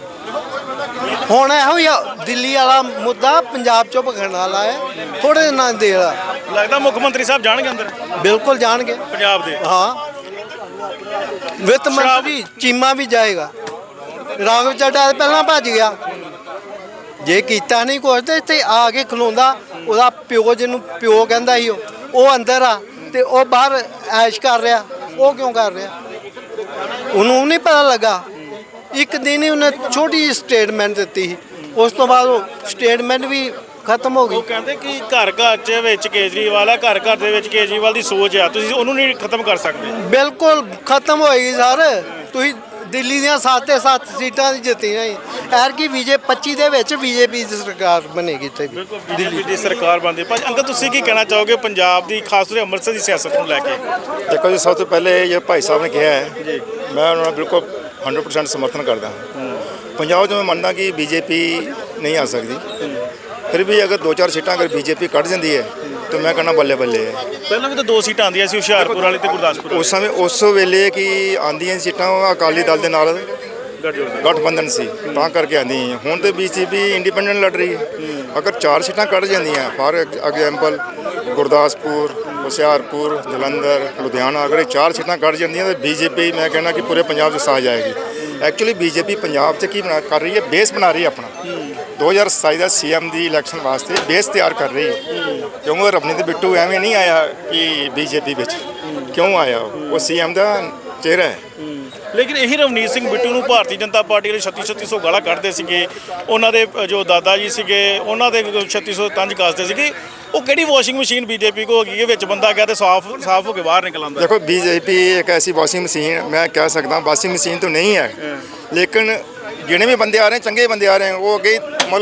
Speaker 5: ਹੁਣ ਇਹੋ ਹੀ ਆ, ਦਿੱਲੀ ਵਾਲਾ ਮੁੱਦਾ ਪੰਜਾਬ ਚੋਂ ਭਗਣ ਵਾਲਾ ਹੈ, ਥੋੜੇ ਦਿਨਾਂ ਦੇ ਆ।
Speaker 3: ਲੱਗਦਾ ਮੁੱਖ ਮੰਤਰੀ ਸਾਹਿਬ ਜਾਣਗੇ ਅੰਦਰ
Speaker 5: ਬਿਲਕੁਲ ਜਾਣਗੇ
Speaker 3: ਪੰਜਾਬ ਦੇ?
Speaker 5: ਹਾਂ, ਵਿੱਤ ਮੰਤਰੀ ਚੀਮਾ ਵੀ ਜਾਏਗਾ। ਰਾਘਵ ਚੱਡਾ ਪਹਿਲਾਂ ਭੱਜ ਗਿਆ, ਜੇ ਕੀਤਾ ਨਹੀਂ ਕੁਛ ਤੇ ਇੱਥੇ ਆ ਕੇ ਖਲੋਂਦਾ। ਉਹਦਾ ਪਿਓ ਜਿਹਨੂੰ ਪਿਓ ਕਹਿੰਦਾ ਸੀ, ਉਹ ਉਹ ਅੰਦਰ ਆ ਤੇ ਉਹ ਬਾਹਰ ਐਸ਼ ਕਰ ਰਿਹਾ। ਉਹ ਕਿਉਂ ਕਰ ਰਿਹਾ? ਉਹਨੂੰ ਨਹੀਂ ਪਤਾ ਲੱਗਾ। ਇੱਕ ਦਿਨ ਹੀ ਉਹਨੇ ਛੋਟੀ ਜਿਹੀ ਸਟੇਟਮੈਂਟ ਦਿੱਤੀ ਸੀ, ਉਸ ਤੋਂ ਬਾਅਦ ਉਹ ਸਟੇਟਮੈਂਟ ਵੀ ਖਤਮ ਹੋ
Speaker 3: ਉਹ
Speaker 5: ਗਈ।
Speaker 3: ਕਹਿੰਦੇ ਕਿ ਘਰ ਘਰ ਚ ਵਿੱਚ ਕੇਜਰੀਵਾਲ ਆ, ਘਰ ਘਰ ਦੇ ਵਿੱਚ ਕੇਜਰੀਵਾਲ ਦੀ ਸੋਚ ਆ, ਤੁਸੀਂ ਉਹਨੂੰ ਨਹੀਂ ਖਤਮ ਕਰ ਸਕਦੇ।
Speaker 5: ਬਿਲਕੁਲ ਖਤਮ ਹੋਏਗੀ ਸਰ। ਤੁਸੀਂ ਦਿੱਲੀ ਦੀਆਂ ਸੱਤ ਤੇ ਸੱਤ ਸੀਟਾਂ ਦੀ ਜਿੱਤੀਆਂ ਹੀ, ਐਰ ਕੀ ਬੀਜੇ ਪੱਚੀ ਦੇ ਵਿੱਚ ਬੀਜੇਪੀ ਦੀ ਸਰਕਾਰ ਬਣੇਗੀ ਤੇ
Speaker 3: ਬਿਲਕੁਲ ਬੀਜੇਪੀ ਦੀ ਸਰਕਾਰ ਬਣਦੀ। ਭਾਜੀ ਅੰਕਲ ਤੁਸੀਂ ਕੀ ਕਹਿਣਾ ਚਾਹੋਗੇ ਪੰਜਾਬ ਦੀ, ਖਾਸ ਤੌਰ ਤੇ ਅੰਮ੍ਰਿਤਸਰ ਦੀ ਸਿਆਸਤ ਨੂੰ ਲੈ ਕੇ?
Speaker 6: ਦੇਖੋ ਜੀ, ਸਭ ਤੋਂ ਪਹਿਲੇ ਇਹ ਭਾਈ ਸਾਹਿਬ ਨੇ ਕਿਹਾ ਹੈ, ਮੈਂ ਉਹਨਾਂ ਨਾਲ ਬਿਲਕੁਲ ਹੰਡਰਡ ਪਰਸੈਂਟ ਸਮਰਥਨ ਕਰਦਾ ਹਾਂ। ਪੰਜਾਬ 'ਚ ਮੈਂ ਮੰਨਦਾ ਕਿ ਬੀਜੇਪੀ ਨਹੀਂ ਆ ਸਕਦੀ, ਫਿਰ ਵੀ ਅਗਰ ਦੋ ਚਾਰ ਸੀਟਾਂ ਅਗਰ ਬੀਜੇਪੀ ਕੱਢ ਜਾਂਦੀ ਹੈ ਤਾਂ ਮੈਂ ਕਹਿੰਦਾ ਬੱਲੇ ਬੱਲੇ ਹੈ।
Speaker 3: ਪਹਿਲਾਂ ਵੀ ਤਾਂ ਦੋ ਸੀਟਾਂ ਆਉਂਦੀਆਂ ਸੀ, ਹੁਸ਼ਿਆਰਪੁਰ ਵਾਲੀ ਤੇ ਗੁਰਦਾਸਪੁਰ
Speaker 6: ਉਸ ਸਮੇਂ ਉਸ ਵੇਲੇ ਕਿ ਆਉਂਦੀਆਂ ਸੀਟਾਂ ਉਹ ਅਕਾਲੀ ਦਲ ਦੇ ਨਾਲ ਗਠਬੰਧਨ ਸੀ, ਤਾਂ ਕਰਕੇ ਆਉਂਦੀਆਂ। ਹੁਣ ਤੇ ਬੀਜੇਪੀ ਇੰਡੀਪੈਂਡੈਂਟ ਲੜ ਰਹੀ ਹੈ। ਅਗਰ ਚਾਰ ਸੀਟਾਂ ਕੱਢ ਜਾਂਦੀਆਂ, ਫਾਰ ਐਗਜ਼ਾਮਪਲ ਗੁਰਦਾਸਪੁਰ, ਹੁਸ਼ਿਆਰਪੁਰ, ਜਲੰਧਰ, ਲੁਧਿਆਣਾ, ਅਗਰ ਇਹ ਚਾਰ ਸੀਟਾਂ ਕੱਢ ਜਾਂਦੀਆਂ ਤਾਂ ਬੀਜੇਪੀ ਮੈਂ ਕਹਿੰਦਾ ਕਿ ਪੂਰੇ ਪੰਜਾਬ 'ਚ ਛਾ ਜਾਏਗੀ। ਐਕਚੁਅਲੀ ਬੀਜੇਪੀ ਪੰਜਾਬ 'ਚ ਕੀ ਬਣਾ ਕਰ ਰਹੀ ਹੈ? ਬੇਸ ਬਣਾ ਰਹੀ ਹੈ ਆਪਣਾ। ਦੋ ਹਜ਼ਾਰ ਸਤਾਈ ਦਾ ਸੀ ਐਮ ਦੀ ਇਲੈਕਸ਼ਨ ਵਾਸਤੇ ਬੇਸ ਤਿਆਰ ਕਰ ਰਹੀ ਹੈ, ਕਿਉਂਕਿ ਰਵਨੀਤ ਬਿੱਟੂ ਐਵੇਂ ਨਹੀਂ ਆਇਆ ਕਿ ਬੀਜੇਪੀ ਵਿੱਚ ਕਿਉਂ ਆਇਆ, ਉਹ ਸੀ ਐਮ ਦਾ ਚਿਹਰਾ ਹੈ।
Speaker 3: ਲੇਕਿਨ ਇਹੀ ਰਵਨੀਤ ਸਿੰਘ ਬਿੱਟੂ ਨੂੰ ਭਾਰਤੀ ਜਨਤਾ ਪਾਰਟੀ ਵਾਲੇ ਛੱਤੀ ਛੱਤੀ ਸੌ ਗਾਲਾਂ ਕੱਢਦੇ ਸੀਗੇ, ਉਹਨਾਂ ਦੇ ਜੋ ਦਾਦਾ ਜੀ ਸੀਗੇ ਉਹਨਾਂ ਦੇ ਛੱਤੀ ਸੌ ਤੰਜ ਕੱਸਦੇ ਸੀਗੇ। ਉਹ ਕਿਹੜੀ ਵਾਸ਼ਿੰਗ ਮਸ਼ੀਨ ਬੀਜੇਪੀ ਕੋ ਹੋ ਗਈ ਹੈ, ਵਿੱਚ ਬੰਦਾ ਗਿਆ ਤੇ ਸਾਫ਼ ਸਾਫ਼ ਹੋ ਕੇ ਬਾਹਰ ਨਿਕਲ ਆਉਂਦਾ?
Speaker 6: देखो बीजेपी एक ऐसी वॉशिंग मशीन, मैं कह सकता हूँ वॉशिंग मशीन तो नहीं है, लेकिन जिन्हें भी बंदे आ रहे हैं चंगे बंदे आ रहे हैं, वो अगे मतलब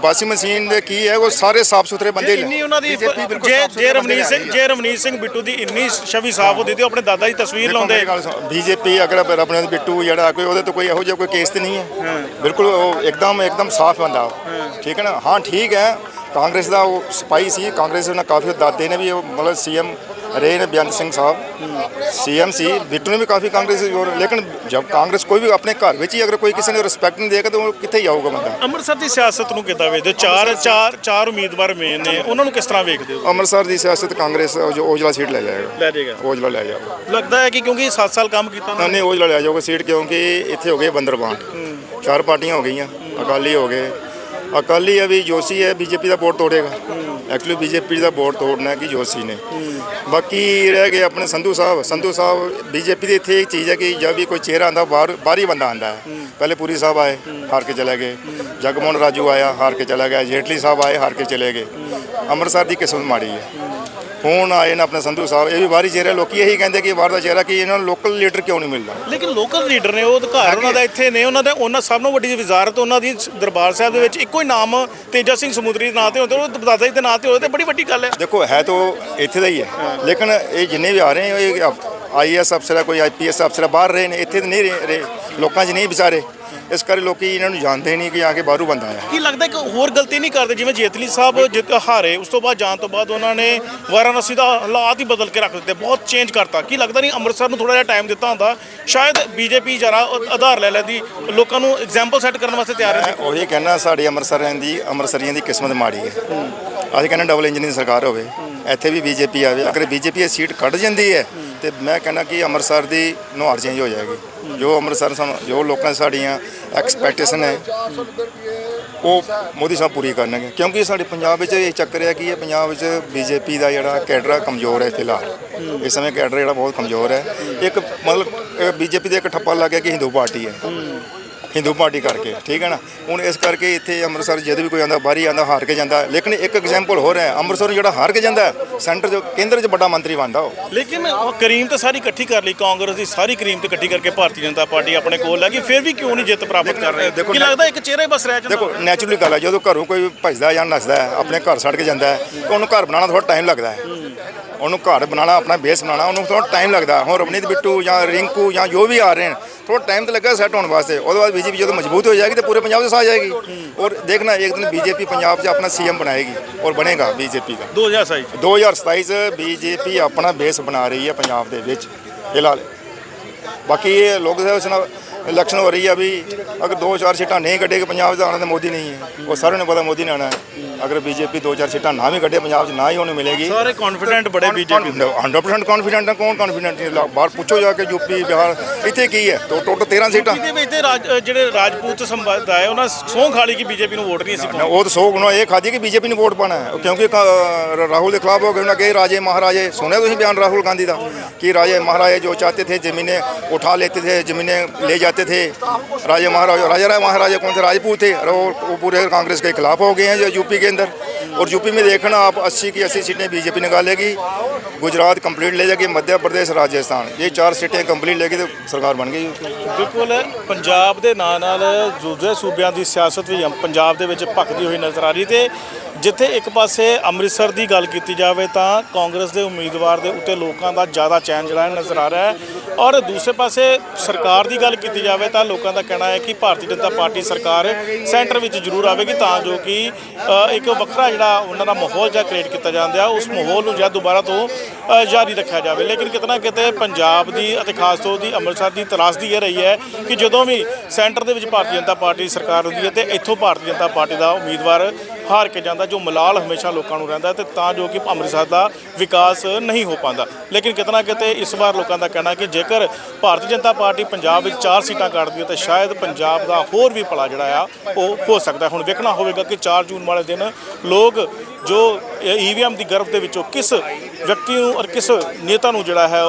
Speaker 6: ਵਾਸ਼ਿੰਗ ਮਸ਼ੀਨ ਦੇ ਕੀ ਹੈ ਉਹ ਸਾਰੇ ਸਾਫ ਸੁਥਰੇ ਬੰਦੇ
Speaker 3: ਇੰਨੀ ਉਹਨਾਂ ਦੀ
Speaker 6: B J P ਬਿਲਕੁਲ
Speaker 3: ਜੇ
Speaker 6: ਸਾਫ਼ ਸੁਥਰੇ
Speaker 3: ਜੇ
Speaker 6: ਬੰਦੇ
Speaker 3: ਰਵਨੀਤ ਸਿੰਘ ਜੇ ਰਵਨੀਤ ਸਿੰਘ ਬਿੱਟੂ ਦੀ ਇੰਨੀ ਛਵੀ ਸਾਫ਼ ਹੁੰਦੀ ਤੇ ਉਹ ਆਪਣੇ ਦਾਦਾ ਦੀ ਤਸਵੀਰ ਲਾਉਂਦੇ।
Speaker 6: ਬੀਜੇਪੀ ਅਗਰ ਆਪਣੇ ਬਿੱਟੂ ਜਿਹੜਾ ਕੋਈ ਉਹਦੇ ਤੋਂ ਕੋਈ ਇਹੋ ਜਿਹਾ ਕੋਈ ਕੇਸ ਤੇ ਨਹੀਂ ਹੈ ਬਿਲਕੁਲ ਉਹ ਇੱਕਦਮ ਇੱਕਦਮ ਸਾਫ਼ ਬੰਦਾ ਉਹ ਠੀਕ ਹੈ ਨਾ। ਹਾਂ ਠੀਕ ਹੈ ਕਾਂਗਰਸ ਦਾ ਉਹ ਸਿਪਾਹੀ ਸੀ ਕਾਂਗਰਸ ਉਹਨਾਂ ਕਾਫੀ ਦਾਦੇ ਨੇ ਵੀ ਉਹ ਮਤਲਬ ਸੀਐਮ ਰਹੇ ਨੇ ਬੇਅੰਤ ਸਿੰਘ ਸਾਹਿਬ ਸੀਐਮ ਸੀ ਬਿੱਟੂ ਨੇ ਵੀ ਕਾਫੀ ਕਾਂਗਰਸ ਲੇਕਿਨ ਜਬ ਕਾਂਗਰਸ ਕੋਈ ਵੀ ਆਪਣੇ ਘਰ ਵਿੱਚ ਹੀ ਅਗਰ ਕੋਈ ਕਿਸੇ ਨੇ ਰਿਸਪੈਕਟ ਨਹੀਂ ਦੇਗਾ ਤਾਂ ਉਹ ਕਿੱਥੇ ਜਾਊਗਾ ਬੰਦਾ।
Speaker 3: ਅੰਮ੍ਰਿਤਸਰ ਦੀ ਸਿਆਸਤ ਨੂੰ ਕਿੱਦਾਂ ਵੇਖਦੇ ਹੋ? ਚਾਰ ਚਾਰ ਚਾਰ ਉਮੀਦਵਾਰ ਮੇਨ ਨੇ ਉਹਨਾਂ ਨੂੰ ਕਿਸ ਤਰ੍ਹਾਂ ਵੇਖਦੇ ਹੋ?
Speaker 6: ਅੰਮ੍ਰਿਤਸਰ ਦੀ ਸਿਆਸਤ ਕਾਂਗਰਸ ਜੋ ਔਜਲਾ ਸੀਟ ਲੈ ਜਾਏਗਾ
Speaker 3: ਲੈ ਜਾਏਗਾ
Speaker 6: ਔਜਲਾ ਲੈ ਜਾਏਗਾ
Speaker 3: ਲੱਗਦਾ ਹੈ ਕਿ ਕਿਉਂਕਿ ਸੱਤ ਸਾਲ ਕੰਮ ਕੀਤਾ ਉਹਨਾਂ ਨੇ।
Speaker 6: ਨਹੀਂ ਔਜਲਾ ਲੈ ਜਾਊਗਾ ਸੀਟ ਕਿਉਂਕਿ ਇੱਥੇ ਹੋ ਗਏ ਬੰਦਰਬਾਨ ਚਾਰ ਪਾਰਟੀਆਂ ਹੋ ਗਈਆਂ ਅਕਾਲੀ ਹੋ ਗਏ ਅਕਾਲੀ ਹੈ ਵੀ ਜੋਸ਼ੀ ਹੈ ਬੀਜੇਪੀ ਦਾ ਬੋਰਡ ਤੋੜੇਗਾ ਐਕਚੁਅਲੀ ਬੀਜੇਪੀ ਦਾ ਬੋਰਡ ਤੋੜਨਾ ਹੈ ਕਿ ਜੋਸ਼ੀ ਨੇ। ਬਾਕੀ ਰਹਿ ਗਏ ਆਪਣੇ ਸੰਧੂ ਸਾਹਿਬ ਸੰਧੂ ਸਾਹਿਬ ਬੀਜੇਪੀ ਦੀ ਇੱਥੇ ਇੱਕ ਚੀਜ਼ ਹੈ ਕਿ ਜਦ ਵੀ ਕੋਈ ਚਿਹਰਾ ਆਉਂਦਾ ਬਾਹਰ ਬਾਹਰੀ ਬੰਦਾ ਆਉਂਦਾ ਹੈ। ਪਹਿਲੇ ਪੁਰੀ ਸਾਹਿਬ ਆਏ ਹਾਰ ਕੇ ਚਲੇ ਗਏ ਜਗਮੋਹਨ ਰਾਜੂ ਆਇਆ ਹਾਰ ਕੇ ਚਲਾ ਗਿਆ ਜੇਟਲੀ ਸਾਹਿਬ ਆਏ ਹਾਰ ਕੇ ਚਲੇ ਗਏ। ਅੰਮ੍ਰਿਤਸਰ ਦੀ ਕਿਸਮਤ ਮਾੜੀ ਹੈ। ਹੁਣ ਆਏ ਨੇ ਆਪਣੇ ਸੰਧੂ ਸਾਹਿਬ ਇਹ ਵੀ ਬਾਹਰੀ ਚਿਹਰਾ ਲੋਕੀ ਇਹੀ ਕਹਿੰਦੇ ਕਿ ਬਾਹਰ ਦਾ ਚਿਹਰਾ ਕਿ ਇਹਨਾਂ ਨੂੰ ਲੋਕਲ ਲੀਡਰ ਕਿਉਂ ਨਹੀਂ ਮਿਲਦਾ।
Speaker 3: ਲੇਕਿਨ ਲੋਕਲ ਲੀਡਰ ਨੇ ਉਹ ਅਧਿਕਾਰ ਉਹਨਾਂ ਦਾ ਇੱਥੇ ਨੇ ਉਹਨਾਂ ਦਾ ਉਹਨਾਂ ਸਭ ਨੂੰ ਵੱਡੀ ਵਜ਼ਾਰਤ ਉਹਨਾਂ ਦੀ ਦਰਬਾਰ ਸਾਹਿਬ ਦੇ ਵਿੱਚ ਇੱਕੋ ਹੀ ਨਾਮ ਤੇਜਾ ਸਿੰਘ ਸਮੁੰਦਰੀ ਦੇ ਨਾਂ ਤੇ ਹੁੰਦੇ ਉਹ ਦਾਦਾ ਜੀ ਦੇ ਨਾਂ ਤੇ ਹੋਏ ਤੇ ਬੜੀ ਵੱਡੀ ਗੱਲ ਹੈ।
Speaker 6: ਦੇਖੋ ਹੈ ਤਾਂ ਇੱਥੇ ਦਾ ਹੀ ਹੈ ਲੇਕਿਨ ਇਹ ਜਿੰਨੇ ਵੀ ਆ ਰਹੇ ਹੈ ਇਹ ਆਈ ਐਸ ਅਫਸਰ ਹੈ ਕੋਈ ਆਈ ਪੀ ਐਸ ਅਫਸਰ ਬਾਹਰ ਰਹੇ ਨੇ ਇੱਥੇ ਤਾਂ ਨਹੀਂ ਰਹੇ ਲੋਕਾਂ 'ਚ ਨਹੀਂ ਵਿਚਾਰੇ ਇਸ ਕਰਕੇ ਲੋਕੀ ਇਹਨਾਂ ਨੂੰ ਜਾਣਦੇ ਨਹੀਂ ਕਿ ਆ ਕੇ ਬਾਹਰੋਂ ਬੰਦਾ ਆਇਆ।
Speaker 3: ਕੀ ਲੱਗਦਾ ਕਿ ਹੋਰ ਗਲਤੀ ਨਹੀਂ ਕਰਦੇ ਜਿਵੇਂ ਜੇਤਲੀ ਸਾਹਿਬ ਜਿੱਤ ਹਾਰੇ ਉਸ ਤੋਂ ਬਾਅਦ ਜਾਣ ਤੋਂ ਬਾਅਦ ਉਹਨਾਂ ਨੇ ਵਾਰਾਣਸੀ ਦਾ ਹਾਲਾਤ ਹੀ ਬਦਲ ਕੇ ਰੱਖ ਦਿੱਤੇ ਬਹੁਤ ਚੇਂਜ ਕਰਤਾ। ਕੀ ਲੱਗਦਾ ਨਹੀਂ ਅੰਮ੍ਰਿਤਸਰ ਨੂੰ ਥੋੜਾ ਜਿਹਾ ਟਾਈਮ ਦਿੱਤਾ ਹੁੰਦਾ ਸ਼ਾਇਦ ਬੀਜੇਪੀ ਜਰਾ ਆਧਾਰ ਲੈ ਲੈਂਦੀ ਲੋਕਾਂ ਨੂੰ ਐਗਜ਼ਾਮਪਲ ਸੈੱਟ ਕਰਨ ਵਾਸਤੇ ਤਿਆਰ ਹੈ।
Speaker 6: ਉਹੀ ਕਹਿਣਾ ਸਾਡੀ ਅੰਮ੍ਰਿਤਸਰਾਂ ਦੀ ਅੰਮ੍ਰਿਤਸਰੀਆਂ ਦੀ ਕਿਸਮਤ ਮਾੜੀ ਹੈ। ਅਸੀਂ ਕਹਿੰਦੇ ਡਬਲ ਇੰਜਨ ਦੀ ਸਰਕਾਰ ਹੋਵੇ ਇੱਥੇ ਵੀ ਬੀਜੇਪੀ ਆਵੇ ਅਗਰ ਬੀਜੇਪੀ ਇਹ ਸੀਟ ਕੱਢ ਜਾਂਦੀ ਹੈ ਤੇ ਮੈਂ ਕਹਿੰਦਾ ਕਿ ਅੰਮ੍ਰਿਤਸਰ ਦੀ ਨੁਹਾਰ ਚੇਂਜ ਹੋ ਜਾਏਗੀ। ਜੋ ਅੰਮ੍ਰਿਤਸਰ ਸਾਨੂੰ ਜੋ ਲੋਕਾਂ ਦੀ ਸਾਡੀਆਂ ਐਕਸਪੈਕਟੇਸ਼ਨ ਹੈ ਉਹ ਮੋਦੀ ਸਾਹਿਬ ਪੂਰੀ ਕਰਨਗੇ ਕਿਉਂਕਿ ਸਾਡੇ ਪੰਜਾਬ ਵਿੱਚ ਇਹ ਚੱਕਰ ਹੈ ਕਿ ਇਹ ਪੰਜਾਬ ਵਿੱਚ ਬੀਜੇਪੀ ਦਾ ਜਿਹੜਾ ਕੈਡਰ ਕਮਜ਼ੋਰ ਹੈ ਫਿਲਹਾਲ ਇਸ ਸਮੇਂ ਕੈਡਰ ਜਿਹੜਾ ਬਹੁਤ ਕਮਜ਼ੋਰ ਹੈ। ਇੱਕ ਮਤਲਬ ਬੀਜੇਪੀ ਦੇ ਇੱਕ ਠੱਪਾ ਲੱਗ ਗਿਆ ਕਿ ਹਿੰਦੂ ਪਾਰਟੀ ਹੈ ਹਿੰਦੂ ਪਾਰਟੀ ਕਰਕੇ ਠੀਕ ਹੈ ਨਾ। ਹੁਣ ਇਸ ਕਰਕੇ ਇੱਥੇ ਅੰਮ੍ਰਿਤਸਰ ਜਦ ਵੀ ਕੋਈ ਆਉਂਦਾ ਬਾਹਰੀ ਆਉਂਦਾ ਹਾਰ ਕੇ ਜਾਂਦਾ ਲੇਕਿਨ ਇੱਕ ਐਗਜ਼ਾਮਪਲ ਹੋ ਰਿਹਾ ਅੰਮ੍ਰਿਤਸਰ ਜਿਹੜਾ ਹਾਰ ਕੇ ਜਾਂਦਾ ਸੈਂਟਰ 'ਚ ਕੇਂਦਰ 'ਚ ਵੱਡਾ ਮੰਤਰੀ ਬਣਦਾ ਉਹ।
Speaker 3: ਲੇਕਿਨ ਉਹ ਕਰੀਮ ਤਾਂ ਸਾਰੀ ਇਕੱਠੀ ਕਰ ਲਈ ਕਾਂਗਰਸ ਦੀ ਸਾਰੀ ਕਰੀਮ ਤੇ ਇਕੱਠੀ ਕਰਕੇ ਭਾਰਤੀ ਜਨਤਾ ਪਾਰਟੀ ਆਪਣੇ ਕੋਲ ਲੈ ਗਈ ਫਿਰ ਵੀ ਕਿਉਂ ਨਹੀਂ ਜਿੱਤ ਪ੍ਰਾਪਤ ਕਰ ਰਹੀ? ਕੀ ਲੱਗਦਾ ਇੱਕ ਚਿਹਰਾ ਹੀ ਬਸ ਰਹਿ ਜਾਂਦਾ?
Speaker 6: ਦੇਖੋ ਨੈਚੁਰਲੀ ਗੱਲ ਹੈ ਜਦੋਂ ਘਰੋਂ ਕੋਈ ਭੱਜਦਾ ਜਾਂ ਨੱਸਦਾ ਹੈ ਆਪਣੇ ਘਰ ਛੱਡ ਕੇ ਜਾਂਦਾ ਹੈ ਤਾਂ ਉਹਨੂੰ ਘਰ ਬਣਾਉਣਾ ਥੋੜਾ ਟਾਈਮ ਲੱਗਦਾ ਹੈ। ਉਹਨੂੰ ਘਰ ਬਣਾਉਣਾ ਆਪਣਾ ਬੇਸ ਬਣਾਉਣਾ ਉਹਨੂੰ ਥੋੜਾ ਟਾਈਮ ਲੱਗਦਾ। ਹੁਣ ਰਵਨੀਤ ਬਿੱਟੂ ਜਾਂ ਰਿੰਕੂ ਜਾਂ ਜੋ ਵੀ ਆ ਰਹੇ ਨੇ ਥੋੜਾ ਟਾਈਮ ਤਾਂ ਲੱਗਾ ਸੈੱਟ ਹੋਣ ਵਾਸਤੇ। ਉਹਦੇ ਬਾਅਦ ਬੀਜੇਪੀ ਜਦੋਂ ਮਜ਼ਬੂਤ ਹੋ ਜਾਏਗੀ ਤਾਂ ਪੂਰੇ ਪੰਜਾਬ 'ਚ ਆ ਜਾਏਗੀ ਔਰ ਦੇਖਣਾ ਇੱਕ ਦਿਨ ਬੀਜੇਪੀ ਪੰਜਾਬ 'ਚ ਆਪਣਾ ਸੀਐਮ ਬਣਾਏਗੀ ਔਰ ਬਣੇਗਾ ਬੀਜੇਪੀ ਦਾ।
Speaker 3: ਦੋ ਹਜ਼ਾਰ ਸਤਾਈ
Speaker 6: ਦੋ ਹਜ਼ਾਰ ਸਤਾਈ 'ਚ ਬੀਜੇਪੀ ਆਪਣਾ ਬੇਸ ਬਣਾ ਰਹੀ ਹੈ ਪੰਜਾਬ ਦੇ ਵਿੱਚ ਫਿਲਹਾਲ। ਬਾਕੀ ਇਹ ਲੋਕ ਸਭਾ ਇਲੈਕਸ਼ਨ ਹੋ ਰਹੀ ਹੈ ਵੀ ਅਗਰ ਦੋ ਚਾਰ ਸੀਟਾਂ ਨਹੀਂ ਕੱਢੇਗੀ ਪੰਜਾਬ 'ਚ ਆਉਣਾ ਤਾਂ ਮੋਦੀ ਨਹੀਂ ਹੈ ਉਹ ਸਾਰਿਆਂ ਨੂੰ ਪਤਾ ਮੋਦੀ ਨੇ ਆਉਣਾ ਹੈ। ਅਗਰ ਬੀਜੇਪੀ ਦੋ ਚਾਰ ਸੀਟਾਂ ਨਾ ਵੀ ਕੱਢੇ ਪੰਜਾਬ 'ਚ ਨਾ ਹੀ ਉਹਨੂੰ ਮਿਲੇਗੀ।
Speaker 3: ਸਾਰੇ ਕੌਨਫੀਡੈਂਟ ਬੜੇ ਬੀਜੇਪੀ
Speaker 6: ਹੰਡਰਡ ਪਰਸੈਂਟ ਕੌਨਫੀਡੈਂਟ ਹੈ। ਕੌਣ ਕੌਨਫੀਡੈਂਟ ਨਹੀਂ ਬਾਹਰ ਪੁੱਛੋ ਜਾ ਕੇ ਯੂਪੀ ਬਿਹਾਰ ਇੱਥੇ ਕੀ ਹੈ ਟੋਟਲ ਤੇਰਾਂ ਸੀਟਾਂ
Speaker 3: ਇਹਦੇ ਵਿੱਚ ਤੇ ਰਾਜ ਜਿਹੜੇ ਰਾਜਪੂਤ ਸੰਬੰਧ ਹੈ ਉਹਨਾਂ ਸਹੁੰ ਖਾਲੀ ਕਿ ਬੀਜੇਪੀ ਨੂੰ ਵੋਟ ਨਹੀਂ ਸੀ
Speaker 6: ਉਹ ਤਾਂ ਸੌ ਗੁਣਾ ਇਹ ਖਾਦੀ ਕਿ ਬੀਜੇਪੀ ਨੂੰ ਵੋਟ ਪਾਣਾ ਹੈ ਕਿਉਂਕਿ ਰਾਹੁਲ ਦੇ ਖਿਲਾਫ ਹੋ ਗਏ ਉਹਨਾਂ ਕਹੇ ਰਾਜੇ ਮਹਾਰਾਜੇ ਸੁਣਿਆ ਤੁਸੀਂ ਬਿਆਨ ਰਾਹੁਲ गांधी ਦਾ कि राजे महाराजे जो चाहते थे ज़मीनें उठा लेते थे ज़मीनें ले जाते थे। राजे महाराजा राजा राय महाराजा कौन थे राजपूत थे और वो पूरे कांग्रेस के खिलाफ हो गए हैं जो यूपी के अंदर। और यूपी में देखना आप अस्सी की अस्सी सीटें बीजेपी निकालेगी गुजरात कंप्लीट ले जाएगी मध्य प्रदेश राजस्थान ये चार सीटें कंप्लीट लेगी तो सरकार बन गई।
Speaker 3: ਬਿਲਕੁਲ ਪੰਜਾਬ ਦੇ ਨਾਲ ਨਾਲ ਦੂਜੇ ਸੂਬਿਆਂ ਦੀ ਸਿਆਸਤ ਵੀ ਪੰਜਾਬ ਦੇ ਵਿੱਚ ਭਖਦੀ ਹੋਈ ਨਜ਼ਰ ਆ ਰਹੀ ਤੇ ਜਿੱਥੇ ਇੱਕ ਪਾਸੇ ਅੰਮ੍ਰਿਤਸਰ ਦੀ ਗੱਲ ਕੀਤੀ ਜਾਵੇ ਤਾਂ ਕਾਂਗਰਸ ਦੇ ਉਮੀਦਵਾਰ ਦੇ ਉੱਤੇ ਲੋਕਾਂ ਦਾ ਜ਼ਿਆਦਾ ਚੈਨ ਜਿਹੜਾ ਨਜ਼ਰ ਆ ਰਿਹਾ ਹੈ ਔਰ ਦੂਸਰੇ ਪਾਸੇ ਸਰਕਾਰ ਦੀ ਗੱਲ ਕੀਤੀ ਜਾਵੇ ਤਾਂ ਲੋਕਾਂ ਦਾ ਕਹਿਣਾ ਹੈ ਕਿ ਭਾਰਤੀ ਜਨਤਾ ਪਾਰਟੀ ਸਰਕਾਰ ਸੈਂਟਰ ਵਿੱਚ ਜ਼ਰੂਰ ਆਵੇਗੀ ਤਾਂ ਜੋ ਕਿ ਇੱਕ ਵੱਖਰਾ ਜਿਹੜਾ ਉਹਨਾਂ ਦਾ ਮਾਹੌਲ ਜਿਹਾ ਕ੍ਰੀਏਟ ਕੀਤਾ ਜਾਂਦਾ ਉਸ ਮਾਹੌਲ ਨੂੰ ਜਾਂ ਦੁਬਾਰਾ ਤੋਂ ਜਾਰੀ ਰੱਖਿਆ ਜਾਵੇ। ਲੇਕਿਨ ਕਿਤੇ ਨਾ ਕਿਤੇ ਪੰਜਾਬ ਦੀ ਅਤੇ ਖਾਸ ਤੌਰ ਦੀ ਅੰਮ੍ਰਿਤਸਰ ਦੀ ਤਰਾਸਦੀ ਇਹ ਰਹੀ ਹੈ ਕਿ ਜਦੋਂ ਵੀ ਸੈਂਟਰ ਦੇ ਵਿੱਚ ਭਾਰਤੀ ਜਨਤਾ ਪਾਰਟੀ ਸਰਕਾਰ ਹੁੰਦੀ ਹੈ ਤੇ ਇੱਥੋਂ ਭਾਰਤੀ ਜਨਤਾ ਪਾਰਟੀ ਦਾ ਉਮੀਦਵਾਰ ਹਾਰ ਕੇ ਜਾਂਦਾ ਜੋ ਮਲਾਲ ਹਮੇਸ਼ਾ ਲੋਕਾਂ ਨੂੰ ਰਹਿੰਦਾ ਤੇ ਤਾਂ ਜੋ ਕਿ ਅੰਮ੍ਰਿਤਸਰ ਦਾ ਵਿਕਾਸ ਨਹੀਂ ਹੋ ਪਾਉਂਦਾ। ਲੇਕਿਨ ਕਿਤੇ ਨਾ ਕਿਤੇ ਇਸ ਵਾਰ ਲੋਕਾਂ ਦਾ ਕਹਿਣਾ ਕਿ ਜੇਕਰ ਭਾਰਤੀ ਜਨਤਾ ਪਾਰਟੀ ਪੰਜਾਬ ਵਿੱਚ ਚਾਰ ਸੀਟਾਂ ਕੱਢਦੀ ਹੈ ਤਾਂ ਸ਼ਾਇਦ ਪੰਜਾਬ ਦਾ ਹੋਰ ਵੀ ਭਲਾ ਜਿਹੜਾ ਆ ਉਹ ਹੋ ਸਕਦਾ। ਹੁਣ ਵੇਖਣਾ ਹੋਵੇਗਾ ਕਿ ਚਾਰ ਜੂਨ ਵਾਲੇ ਦਿਨ ਲੋਕ ਜੋ ਈ ਵੀ ਐਮ ਦੀ ਗਰਭ ਦੇ ਵਿੱਚੋਂ ਕਿਸ ਵਿਅਕਤੀ ਨੂੰ ਔਰ ਕਿਸ ਨੇਤਾ ਨੂੰ ਜਿਹੜਾ ਹੈ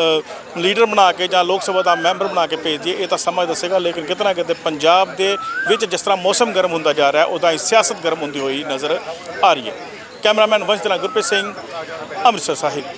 Speaker 3: ਉਹ ਲੀਡਰ ਬਣਾ ਕੇ ਜਾਂ ਲੋਕ ਸਭਾ ਦਾ ਮੈਂਬਰ ਬਣਾ ਕੇ ਭੇਜ ਦਈਏ ਇਹ ਤਾਂ ਸਮਾਂ ਦੱਸੇਗਾ। ਲੇਕਿਨ ਕਿਤੇ ਨਾ ਕਿਤੇ ਪੰਜਾਬ ਦੇ ਵਿੱਚ ਜਿਸ ਤਰ੍ਹਾਂ ਮੌਸਮ ਗਰਮ ਹੁੰਦਾ ਜਾ ਰਿਹਾ ਉੱਦਾਂ ਹੀ ਸਿਆਸਤ ਗਰਮ ਹੁੰਦੀ ਹੋਈ ਨਜ਼ਰ ਆ ਰਹੀ ਹੈ। ਕੈਮਰਾਮੈਨ ਵੰਸ਼ ਦੇ ਨਾਲ ਗੁਰਪ੍ਰੀਤ ਸਿੰਘ ਅੰਮ੍ਰਿਤਸਰ ਸਾਹਿਬ।